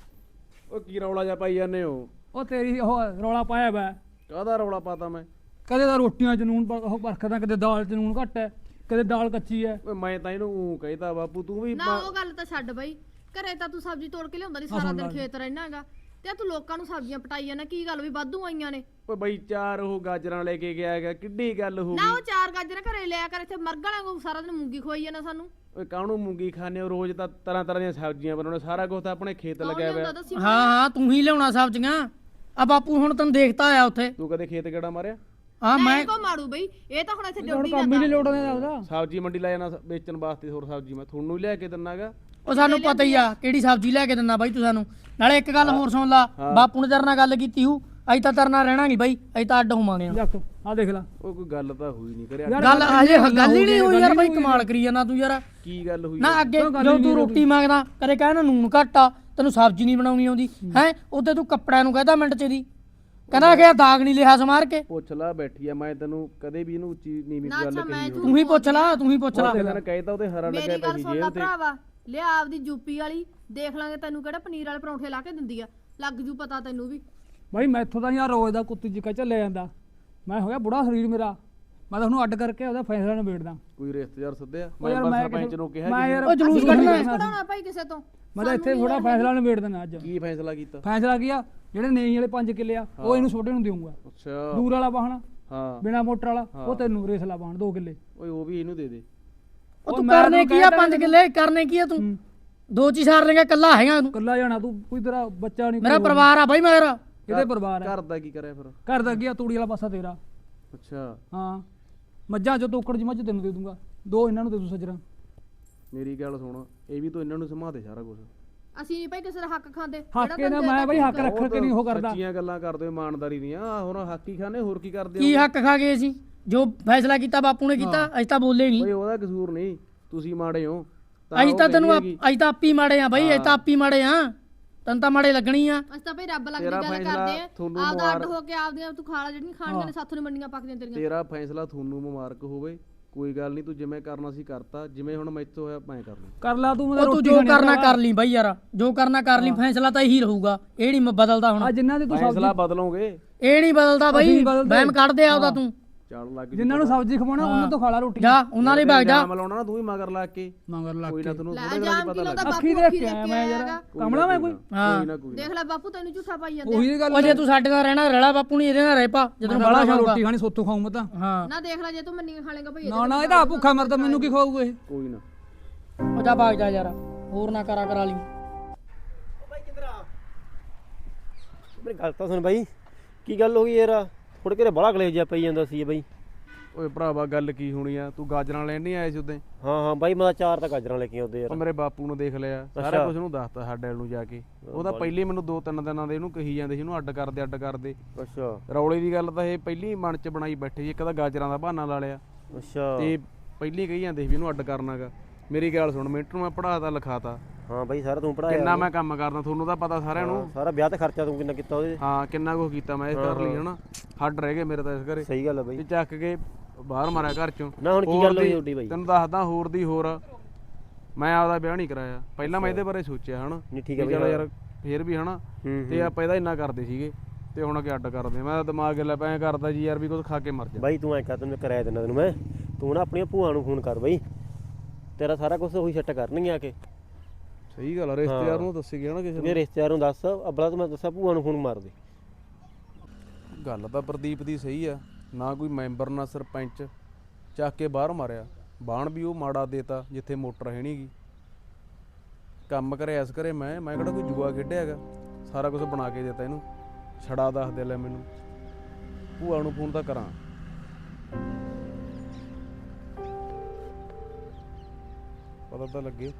[SPEAKER 4] ਉਹ ਕੀ ਰੌਲਾ ਜਿਹਾ ਪਾਈ ਜਾਂਦੇ ਹੋ?
[SPEAKER 3] ਉਹ ਤੇਰੀ ਉਹ ਰੌਲਾ ਪਾਇਆ ਵਾ,
[SPEAKER 4] ਕਾਹਦਾ ਰੌਲਾ ਪਾਤਾ ਮੈਂ?
[SPEAKER 3] ਕਦੇ ਤਾਂ ਰੋਟੀਆਂ ਚ ਨੂਨ ਉਹ ਵਰਖਦਾ, ਕਦੇ ਦਾਲ ਚ ਨੂਨ ਘੱਟ ਹੈ, ਕਦੇ ਦਾਲ ਕੱਚੀ ਹੈ।
[SPEAKER 4] ਓਏ ਮੈਂ ਤਾਂ ਇਹਨੂੰ ਕਹਿਤਾ ਬਾਪੂ, ਤੂੰ ਵੀ
[SPEAKER 2] ਨਾ ਉਹ ਗੱਲ ਤਾਂ ਛੱਡ ਬਈ, ਘਰੇ ਤਾਂ ਤੂੰ ਸਬਜ਼ੀ ਤੋੜ ਕੇ ਲਿਆਉਂਦਾ ਨਹੀਂ, ਸਾਰਾ ਦਿਨ ਖੇਤ ਰਹਿਣਾਗਾ, ਤੇ ਤੂੰ ਲੋਕਾਂ ਨੂੰ ਸਬਜ਼ੀਆਂ ਪਟਾਈ ਜਾਂਦਾ। ਕੀ ਗੱਲ ਵੀ ਵਾਧੂ ਆਈਆਂ ਨੇ?
[SPEAKER 4] ਓਏ ਬਈ 4 ਉਹ ਗਾਜਰਾਂ ਲੈ ਕੇ ਗਿਆ ਹੈਗਾ, ਕਿੱਡੀ ਗੱਲ ਹੋ
[SPEAKER 2] ਨਾ
[SPEAKER 4] ਗਈ?
[SPEAKER 2] ਉਹ 4 ਗਾਜਰਾਂ ਘਰੇ ਲਿਆ ਕਰ, ਇੱਥੇ ਮਰਗ ਵਾਲਿਆਂ ਨੂੰ ਸਾਰਾ ਦਿਨ ਮੂੰਗੀ ਖਵਾਈ ਜਾਂਦਾ ਸਾਨੂੰ।
[SPEAKER 4] ਓਏ ਕਾਹਨੂੰ ਮੂੰਗੀ ਖਾਣੇ ਹੋ? ਰੋਜ਼ ਤਾਂ ਤਰ੍ਹਾਂ ਤਰ੍ਹਾਂ ਦੀਆਂ ਸਬਜ਼ੀਆਂ ਬਣਾਉਣੇ, ਸਾਰਾ ਕੁਝ ਤਾਂ ਆਪਣੇ ਖੇਤ ਲੱਗਿਆ ਹੋਇਆ।
[SPEAKER 2] ਦੱਸੀ
[SPEAKER 5] ਹਾਂ ਹਾਂ ਤੂੰ ਹੀ ਲਿਆਉਣਾ ਸਬਜ਼ੀਆਂ। ਆ ਬਾਪੂ ਹੁਣ ਤੈਨੂੰ ਦੇਖਤਾ ਆਇਆ ਉੱਥੇ।
[SPEAKER 4] ਤੂੰ ਕਦੇ ਖੇਤ ਕਿਹੜਾ ਮਾਰਿਆ?
[SPEAKER 5] ਹਾਂ ਮੈਂ
[SPEAKER 2] ਕੋ ਮਾਰੂ ਬਈ, ਇਹ ਤਾਂ ਹੁਣ ਇੱਥੇ
[SPEAKER 3] ਹੁਣ
[SPEAKER 2] ਡਿਊਟੀ
[SPEAKER 3] ਕੰਮ ਹੀ ਨਹੀਂ ਲੋੜ ਉਹਦਾ।
[SPEAKER 4] ਸਬਜ਼ੀ ਮੰਡੀ ਲੈ ਜਾਣਾ ਵੇਚਣ ਵਾਸਤੇ, ਹੋਰ ਸਬਜ਼ੀ ਮੈਂ ਤੁਹਾਨੂੰ ਹੀ ਲਿਆ ਕੇ ਦਿੰਨਾਗਾ।
[SPEAKER 5] ਉਹ ਸਾਨੂੰ ਪਤਾ ਹੀ ਆ ਕਿਹੜੀ ਸਬਜ਼ੀ ਲੈ ਕੇ ਦਿੰਦਾ ਬਾਈ ਤੂੰ ਸਾਨੂੰ। ਨਾਲੇ ਇੱਕ ਗੱਲ ਹੋਰ ਸੁਣ ਲਾ, ਬਾਪੂ ਨੇ ਤੇਰੇ ਨਾਲ ਗੱਲ ਕੀਤੀ ਹੂ, ਅਸੀਂ ਤਾਂ ਤੇਰੇ ਨਾਲ ਰਹਿਣਾ ਨਹੀਂ ਬਾਈ, ਅਸੀਂ ਤਾਂ ਅੱਡ ਹੋਵਾਂਗੇ।
[SPEAKER 3] ਜੱਕ ਆ ਦੇਖ ਲੈ,
[SPEAKER 4] ਉਹ ਕੋਈ ਗੱਲ ਤਾਂ ਹੋਈ ਨਹੀਂ ਕਰਿਆ।
[SPEAKER 5] ਗੱਲ ਹਜੇ ਗੱਲ ਹੀ ਨਹੀਂ ਹੋਈ ਯਾਰ ਬਾਈ, ਕਮਾਲ ਕਰੀ ਜਾਂਦਾ ਤੂੰ ਯਾਰ।
[SPEAKER 4] ਕੀ ਗੱਲ ਹੋਈ?
[SPEAKER 5] ਨਾ ਅੱਗੇ ਜਦੋਂ ਤੂੰ ਰੋਟੀ ਮੰਗਦਾ ਕਦੇ ਕਹਿਣਾ ਨੂਨ ਘੱਟ ਆ, ਤੈਨੂੰ ਸਬਜ਼ੀ ਨਹੀਂ ਬਣਾਉਣੀ ਆਉਂਦੀ ਹੈ, ਉੱਤੇ ਤੂੰ ਕੱਪੜਿਆਂ ਨੂੰ ਕਹਿੰਦਾ ਮਿੰਟ ਚ ਦੀ, ਕਹਿੰਦਾ ਕਿ ਦਾਗ ਨਹੀਂ ਲਿਆ ਸਮਾਰ ਕੇ।
[SPEAKER 4] ਪੁੱਛ ਲਾ ਬੈਠੀ ਆ, ਮੈਂ ਤੈਨੂੰ ਕਦੇ ਵੀ ਇਹਨੂੰ ਉੱਚੀ ਨੀਵੀਂ ਗੱਲ ਕਹੀ ਹੋਵੇ।
[SPEAKER 5] ਤੂੰ ਹੀ ਪੁੱਛ ਲਾ, ਤੂੰ ਹੀ ਪੁੱਛ ਲਾ।
[SPEAKER 4] ਉਹਨਾਂ ਨੇ ਕਹਿਤਾ ਉਹਦੇ ਹਰਾ ਲੱਗਿਆ
[SPEAKER 2] ਮੇਰੀ ਗੱਲ
[SPEAKER 4] ਪਈ
[SPEAKER 2] ਸੁਣ ਲਾ
[SPEAKER 4] ਜੇਲ੍ਹ ਤੇ।
[SPEAKER 2] ਭਰਾਵਾ, ਲਿਆ ਆਪਦੀ ਯੂਪੀ ਵਾਲੀ ਦੇਖ ਲਾਂਗੇ, ਤੈਨੂੰ ਕਿਹੜਾ ਪਨੀਰ ਵਾਲੇ ਪਰੌਂਠੇ ਲਾ ਕੇ ਦਿੰਦੀ ਆ, ਲੱਗ ਜੂ ਪਤਾ ਤੈਨੂੰ ਵੀ।
[SPEAKER 3] ਬਾਈ ਮੈਥੋਂ ਤਾਂ ਯਾਰ ਰੋਜ਼ ਦਾ ਕੁੱਤੀ ਜਿੱਕਾ ਚੱਲਿਆ ਜਾਂਦਾ, ਮੈਂ ਹੋ ਗਿਆ ਬੁੜਾ ਸਰੀਰ ਮੇਰਾ, ਮੈਂ ਤਾਂ ਉਹਨੂੰ ਅੱਡ ਕਰਕੇ ਉਹਦਾ ਫੈਸਲਾ ਨਿਬੇੜਦਾ।
[SPEAKER 4] ਕੋਈ ਰਿਸ਼ਤੇਦਾਰ ਸੱਦਿਆ?
[SPEAKER 3] ਉਹ ਯਾਰ
[SPEAKER 4] ਮੈਂ
[SPEAKER 3] ਮੈਂ
[SPEAKER 4] ਸਰਪੰਚ ਨੂੰ ਕਿਹਾ
[SPEAKER 3] ਮੈਂ ਯਾਰ
[SPEAKER 5] ਉਹ ਜਲੂਸ ਕੱਢਣਾ
[SPEAKER 2] ਪੜਾਉਣਾ ਭਾਈ ਕਿਸੇ ਤੋਂ।
[SPEAKER 3] ਮੈਂ ਤਾਂ ਇੱਥੇ ਥੋੜਾ ਫੈਸਲਾ ਨਿਬੇੜ ਦੇਣਾ ਅੱਜ।
[SPEAKER 4] ਕੀ ਫੈਸਲਾ ਕੀਤਾ?
[SPEAKER 3] ਫੈਸਲਾ ਕੀ ਆ, ਜਿਹੜੇ ਨੇਈ ਵਾਲੇ 5 ਕਿੱਲੇ ਆ ਉਹ ਇਹਨੂੰ ਛੋਟੇ ਨੂੰ ਦੇਊਂਗਾ।
[SPEAKER 4] ਅੱਛਾ
[SPEAKER 3] ਦੂਰ ਵਾਲਾ ਵਾਹਣ
[SPEAKER 4] ਹਾਂ,
[SPEAKER 3] ਬਿਨਾ ਮੋਟਰ ਵਾਲਾ ਉਹ ਤੈਨੂੰ ਰੇਸਲਾ ਵਾਹਣ 2 ਕਿੱਲੇ।
[SPEAKER 4] ਓਏ ਉਹ ਵੀ ਇਹਨੂੰ ਦੇ ਦੇ।
[SPEAKER 5] ਉਹ ਤੂੰ ਕਰਨੇ ਕੀ ਆ 5 ਕਿੱਲੇ ਕਰਨੇ ਕੀ ਆ ਤੂੰ? 2 ਚ ਹੀ ਸਾਰ ਲੇਗਾ, ਕੱਲਾ ਹੈਗਾ ਤੂੰ।
[SPEAKER 3] ਕੱਲਾ ਜਾਣਾ ਤੂੰ, ਕੋਈ ਤੇਰਾ ਬੱਚਾ ਨਹੀਂ,
[SPEAKER 5] ਮੇਰਾ ਪਰਿਵਾਰ ਆ ਬਾਈ, ਮੇਰਾ
[SPEAKER 3] ਇਹਦੇ ਪਰਿਵਾਰ ਆ।
[SPEAKER 4] ਘਰ ਦਾ ਕੀ ਕਰਿਆ ਫਿਰ?
[SPEAKER 3] ਘਰ ਦਾ ਗਿਆ ਤੂੜੀ ਵਾਲਾ ਪਾਸਾ ਤੇਰਾ।
[SPEAKER 4] ਅੱਛਾ
[SPEAKER 3] ਹਾਂ ਮੱਝਾਂ ਚੋਂ ਤੋਕੜ ਜੀ ਮੱਝ ਤੈਨੂੰ ਦੇ ਦੂੰਗਾ, 2 ਇਹਨਾਂ ਨੂੰ ਦੇ ਦੂੰ ਸੱਜਰਾਂ।
[SPEAKER 4] ਮੇਰੀ ਗੱਲ ਸੁਣ, ਇਹ ਵੀ ਤੂੰ ਇਹਨਾਂ ਨੂੰ ਸਮਾ ਦੇ ਸਾਰਾ ਕੁਝ।
[SPEAKER 2] ਅਸੀਂ ਨਹੀਂ ਭਾਈ ਕਿਸੇ ਦਾ ਹੱਕ ਖਾਂਦੇ।
[SPEAKER 3] ਹੱਕ ਕੇ ਨਾ ਮੈਂ ਬਈ ਹੱਕ ਰੱਖ ਕੇ ਨਹੀਂ ਉਹ ਕਰਦਾ।
[SPEAKER 4] ਸੱਚੀਆਂ ਗੱਲਾਂ ਕਰਦੇ ਹੋ ਇਮਾਨਦਾਰੀ ਦੀਆਂ, ਹੁਣ ਹਾਕੀ ਖਾਨੇ ਹੋਰ ਕੀ ਕਰਦੇ
[SPEAKER 5] ਕੀ
[SPEAKER 4] ਹੋ?
[SPEAKER 5] ਹੱਕ ਖਾ ਗਏ ਅਸੀਂ? ਜੋ ਫੈਸਲਾ ਕੀਤਾ ਬਾਪੂ ਨੇ ਕੀਤਾ, ਅਸੀਂ ਤਾਂ ਬੋਲੇ ਨਹੀਂ।
[SPEAKER 4] ਓਏ ਉਹਦਾ ਕਸੂਰ ਨਹੀਂ, ਤੁਸੀਂ ਮਾੜੇ ਹੋ।
[SPEAKER 5] ਅਸੀਂ
[SPEAKER 4] ਉਹ
[SPEAKER 5] ਤਾਂ ਤੈਨੂੰ
[SPEAKER 4] ਕਹਿੰਦੀ ਹੈਗੀ।
[SPEAKER 5] ਅਸੀਂ ਤਾਂ ਆਪੀ ਮਾੜੇ ਆ ਬਾਈ, ਅਸੀਂ ਤਾਂ ਆਪੀ ਮਾੜੇ ਆ, ਤੈਨੂੰ ਤਾਂ ਮਾੜੇ ਲੱਗਣੀ ਆ।
[SPEAKER 2] ਅਸੀਂ ਤਾਂ ਭਾਈ ਰੱਬ ਲੱਗਦੀ
[SPEAKER 4] ਤੇਰਾ
[SPEAKER 2] ਗੱਲ
[SPEAKER 4] ਫੈਸਲਾ
[SPEAKER 2] ਕਰਦੇ ਆ,
[SPEAKER 4] ਤੁਹਾਨੂੰ
[SPEAKER 2] ਆਪਦਾ ਅੱਡ
[SPEAKER 4] ਮੁਬਾਰਕ।
[SPEAKER 2] ਹੋ ਕੇ ਆਪਦੀਆਂ ਤੂੰ ਖਾ ਲਾ, ਜਿਹੜੀਆਂ ਖਾਣੀਆਂ ਨੇ ਸਾਥੋਂ ਨੀ ਮੰਡੀਆਂ ਪੱਕਦੀਆਂ ਤੇਰੀਆਂ।
[SPEAKER 4] ਤੇਰਾ ਫੈਸਲਾ ਤੁਹਾਨੂੰ ਮੁਬਾਰਕ ਹੋਵੇ, ਕੋਈ ਗੱਲ ਨਹੀਂ, ਤੂੰ ਜਿਵੇਂ ਕਰਨਾ ਸੀ ਕਰਤਾ, ਜਿਵੇਂ ਹੁਣ ਮੈਥੋਂ ਹੋਇਆ ਮੈਂ ਕਰ ਲੂੰ।
[SPEAKER 3] ਕਰ ਲਾ ਤੂੰ, ਮੈਂ
[SPEAKER 5] ਉਹ ਤੂੰ ਜੋ ਕਰਨਾ ਕਰ ਲਈ ਬਾਈ ਯਾਰ, ਜੋ ਕਰਨਾ ਕਰ ਲਈ, ਫੈਸਲਾ ਤਾਂ ਇਹੀ ਰਹੂਗਾ, ਇਹ ਨਹੀਂ ਬਦਲਦਾ ਹੁਣ।
[SPEAKER 3] ਆ ਜਿਨ੍ਹਾਂ ਦੀ ਤੂੰ
[SPEAKER 4] ਫੈਸਲਾ ਬਦਲੋਗੇ?
[SPEAKER 5] ਇਹ ਨਹੀਂ ਬਦਲਦਾ ਬਾਈ,
[SPEAKER 3] ਅਸੀਂ ਬਦਲਦੇ।
[SPEAKER 5] ਵਹਿਮ ਕੱਢ ਦੇ ਆਉਦਾ ਤੂੰ।
[SPEAKER 4] ਚੱਲ ਲੱਗ
[SPEAKER 3] ਜਿਨ੍ਹਾਂ ਨੂੰ ਸਬਜ਼ੀ ਖਵਾਉਣਾ ਉਹਨਾਂ ਤੋਂ ਖਾ ਲਾ ਰੋਟੀ।
[SPEAKER 5] ਜਾ ਉਹਨਾਂ ਲਈ ਭੱਜ ਜਾ।
[SPEAKER 4] ਜਾਮ ਲਾਉਣਾ ਨਾ ਤੂੰ ਹੀ ਮਗਰ ਲੱਗ ਕੇ,
[SPEAKER 3] ਮਗਰ ਲੱਗ
[SPEAKER 4] ਕੋਈ ਨਾ ਤੈਨੂੰ
[SPEAKER 2] ਲੈ
[SPEAKER 4] ਥੋੜੇ ਦਿਨਾਂ
[SPEAKER 2] ਜਾਮ
[SPEAKER 4] ਚ ਪਤਾ
[SPEAKER 2] ਕਿਲੋ ਦਾ
[SPEAKER 4] ਲੱਗ
[SPEAKER 3] ਅੱਖੀ
[SPEAKER 2] ਬਾਪੂ
[SPEAKER 3] ਦੇਖ
[SPEAKER 2] ਅੱਖੀ
[SPEAKER 3] ਕੇ
[SPEAKER 2] ਦੇਖ
[SPEAKER 3] ਆਇਆ
[SPEAKER 2] ਕੇ
[SPEAKER 3] ਮੈਂ
[SPEAKER 2] ਆਏਗਾ।
[SPEAKER 3] ਯਾਰ, ਕਮਲਾ ਮੈਂ ਕੋਈ।
[SPEAKER 4] ਕੋਈ ਨਾ ਕੋਈ
[SPEAKER 2] ਦੇਖ ਲੈ ਬਾਪੂ ਤੈਨੂੰ ਝੂਠਾ ਪਾਈ ਜਾਂਦੇ
[SPEAKER 3] ਉਹੀ ਗੱਲ
[SPEAKER 5] ਉਹ ਜੇ ਤੂੰ ਸਾਡੇ ਨਾਲ ਰਹਿਣਾ ਰਲਾ ਬਾਪੂ ਨਹੀਂ ਇਹਦੇ ਨਾਲ ਰਹਿ ਪਾ, ਜਦੋਂ ਬੜਾ ਸ਼ੌਕ ਆ।
[SPEAKER 3] ਰੋਟੀ ਖਾਣੀ ਸੋਤੋਂ ਖਾਊਂ ਮੈਂ ਤਾਂ।
[SPEAKER 5] ਹਾਂ
[SPEAKER 2] ਨਾ ਦੇਖ ਲੈ ਜੇ ਤੂੰ ਮੰਨੀਆਂ ਖਾ ਲੇਗਾ ਭਈ
[SPEAKER 3] ਨਾ ਨਾ ਇਹਦਾ ਭੁੱਖਾ ਮਰਦਾ, ਮੈਨੂੰ ਕੀ ਖਵਾਊਗਾ ਇਹ?
[SPEAKER 4] ਕੋਈ ਨਾ।
[SPEAKER 5] ਉਹ ਜਾ ਭਾਗ ਜਾ ਯਾਰ, ਹੋਰ ਨਾ ਕਰਾ ਲਈ।
[SPEAKER 6] ਮੇਰੀ ਗੱਲ ਤਾਂ ਸੁਣ ਬਾਈ, ਕੀ ਗੱਲ ਹੋ ਗਈ ਯਾਰ? ਥੋੜੇ ਘਰੇ ਬੜਾ ਕਲੇਸ਼ ਜਿਹਾ ਪਈ ਜਾਂਦਾ ਸੀ ਬਾਈ।
[SPEAKER 4] ਓਏ ਭਰਾਵਾ ਗੱਲ ਕੀ ਹੋਣੀ ਆ, ਤੂੰ ਗਾਜਰਾਂ ਲੈਣ ਨਹੀਂ ਆਇਆ ਸੀ ਉਦੋਂ?
[SPEAKER 6] ਹਾਂ ਬਾਈ, ਮੈਂ ਤਾਂ 4 ਤਾਂ ਗਾਜਰਾਂ ਲੈ ਕੇ ਆਉਂਦੇ
[SPEAKER 4] ਉਹ
[SPEAKER 6] ਯਾਰ।
[SPEAKER 4] ਮੇਰੇ ਬਾਪੂ ਨੂੰ ਦੇਖ ਲਿਆ, ਸਾਰਾ ਕੁਝ ਉਹਨੂੰ ਦੱਸਤਾ ਸਾਡੇ ਵੱਲ ਨੂੰ ਜਾ ਕੇ। ਉਹ ਤਾਂ ਪਹਿਲੀ ਮੈਨੂੰ 2-3 ਦਿਨਾਂ ਦੇ ਇਹਨੂੰ ਕਹੀ ਜਾਂਦੇ ਸੀ, ਇਹਨੂੰ ਅੱਡ ਕਰਦੇ।
[SPEAKER 6] ਅੱਛਾ
[SPEAKER 4] ਰੌਲੇ ਦੀ ਗੱਲ ਤਾਂ ਇਹ ਪਹਿਲੀ ਮਨ ਚ ਬਣਾਈ ਬੈਠੇ ਸੀ, ਇੱਕ ਤਾਂ ਗਾਜਰਾਂ ਦਾ ਬਹਾਨਾ ਲਾ ਲਿਆ
[SPEAKER 6] ਅੱਛਾ।
[SPEAKER 4] ਤੇ ਪਹਿਲੀ ਕਹੀ ਜਾਂਦੇ ਸੀ ਵੀ ਇਹਨੂੰ ਅੱਡ ਕਰਨਾਗਾ। ਮੇਰੀ ਗੱਲ ਸੁਣ, ਮਿੰਟ ਨੂੰ ਮੈਂ ਪੜਾਤਾ ਲਿਖਾਤਾ,
[SPEAKER 6] ਹਾਂ ਬਾਈ ਸਾਰਾ ਤੂੰ ਪੜਾਇਆ।
[SPEAKER 4] ਕਿੰਨਾ ਮੈਂ ਕੰਮ ਕਰਦਾ ਤੁਹਾਨੂੰ ਤਾਂ ਪਤਾ ਸਾਰਿਆਂ ਨੂੰ।
[SPEAKER 6] ਸਾਰਾ ਵਿਆਹ ਤੇ ਖਰਚਾ ਤੂੰ ਕਿੰਨਾ ਕੀਤਾ ਉਹਦੇ?
[SPEAKER 4] ਹਾਂ ਕਿੰਨਾ ਕੁ ਕੀਤਾ ਮੈਂ ਇਸ ਕਰ ਲਈ ਹਨਾ। ਹੱਡ ਰਹਿ ਗਏ ਮੇਰੇ ਤਾਂ ਇਸ ਘਰੇ,
[SPEAKER 6] ਸਹੀ ਗੱਲ ਆ ਬਾਈ।
[SPEAKER 4] ਤੇ ਚੱਕ ਕੇ ਬਾਹਰ ਮਾਰਿਆ ਘਰ ਚੋਂ।
[SPEAKER 6] ਨਾ ਹੁਣ ਕੀ
[SPEAKER 4] ਹੋਰ
[SPEAKER 6] ਗੱਲ ਹੋਈ
[SPEAKER 4] ਦੀ-
[SPEAKER 6] ਤੁਹਾਡੀ ਬਾਈ?
[SPEAKER 4] ਤੈਨੂੰ ਦੱਸਦਾ ਹੋਰ ਦੀ ਹੋਰ, ਮੈਂ ਆਪਦਾ ਵਿਆਹ ਨਹੀਂ ਕਰਾਇਆ ਪਹਿਲਾਂ। ਮੈਂ ਇਹਦੇ ਬਾਰੇ ਸੋਚਿਆ ਹਨਾ,
[SPEAKER 6] ਨਹੀਂ ਠੀਕ ਆ
[SPEAKER 4] ਵੀ ਚੱਲ
[SPEAKER 6] ਬਾਈ।
[SPEAKER 4] ਯਾਰ ਫੇਰ ਵੀ ਹਨਾ,
[SPEAKER 6] ਹੂੰ
[SPEAKER 4] ਤੇ ਆਪਾਂ ਇਹਦਾ ਇੰਨਾ ਕਰਦੇ ਸੀਗੇ ਤੇ ਹੁਣ ਅੱਗੇ ਅੱਡ ਕਰਦੇ ਆ। ਮੈਂ ਤਾਂ ਦਿਮਾਗ ਲੈ ਪਿਆ ਕਰਦਾ ਜੀ ਯਾਰ ਵੀ ਕੁਝ ਖਾ ਕੇ ਮਰ ਜਾ।
[SPEAKER 6] ਬਾਈ ਤੂੰ ਐਂ ਕਰ, ਤੈਨੂੰ ਕਰਾਇਆ ਦਿੰਦਾ ਤੈਨੂੰ ਮੈਂ। ਤੂੰ ਨਾ ਆਪਣੀਆਂ ਭੂਆ ਨੂੰ ਫੋਨ ਕਰ ਬਾਈ, ਤੇਰਾ ਸਾਰਾ ਕੁਝ ਉਹੀ ਸੈੱਟ ਕਰਨਗੇ ਆ ਕੇ।
[SPEAKER 4] ਸਹੀ ਗੱਲ ਆ, ਰਿਸ਼ਤੇਦਾਰ ਨੂੰ ਦੱਸੀ ਗਿਆ ਨਾ ਕਿਸੇ
[SPEAKER 6] ਮੇਰੇ ਰਿਸ਼ਤੇਦਾਰ ਨੂੰ ਦੱਸ, ਅਬਲਾ ਤੂੰ ਮੈਂ ਦੱਸਾਂ ਭੂਆ ਨੂੰ ਫੋਨ ਮਾਰ ਦੇ।
[SPEAKER 4] ਨੂੰ। ਗੱਲ ਤਾਂ ਪ੍ਰਦੀਪ ਦੀ ਸਹੀ ਆ, ਨਾ ਕੋਈ ਮੈਂਬਰ ਨਾ ਸਰਪੰਚ, ਚੱਕ ਕੇ ਬਾਹਰ ਮਾਰਿਆ। ਬਾਣ ਵੀ ਉਹ ਮਾੜਾ ਦੇਤਾ ਜਿੱਥੇ ਮੋਟਰ ਹੈ ਨੀ ਗੀ। ਕੰਮ ਕਰਿਆ ਇਸ ਘਰੇ ਮੈਂ ਕਿਹੜਾ ਕੋਈ ਜੂਆ ਖੇਡਿਆ ਹੈਗਾ, ਸਾਰਾ ਕੁਝ ਬਣਾ ਕੇ ਦਿੱਤਾ ਇਹਨੂੰ। ਛੜਾ ਦੱਸ ਦੇ ਲੈ ਮੈਨੂੰ, ਭੂਆ ਨੂੰ ਫੋਨ ਤਾਂ ਕਰਾਂ। ਪਤਾ ਤਾਂ ਲੱਗੇ।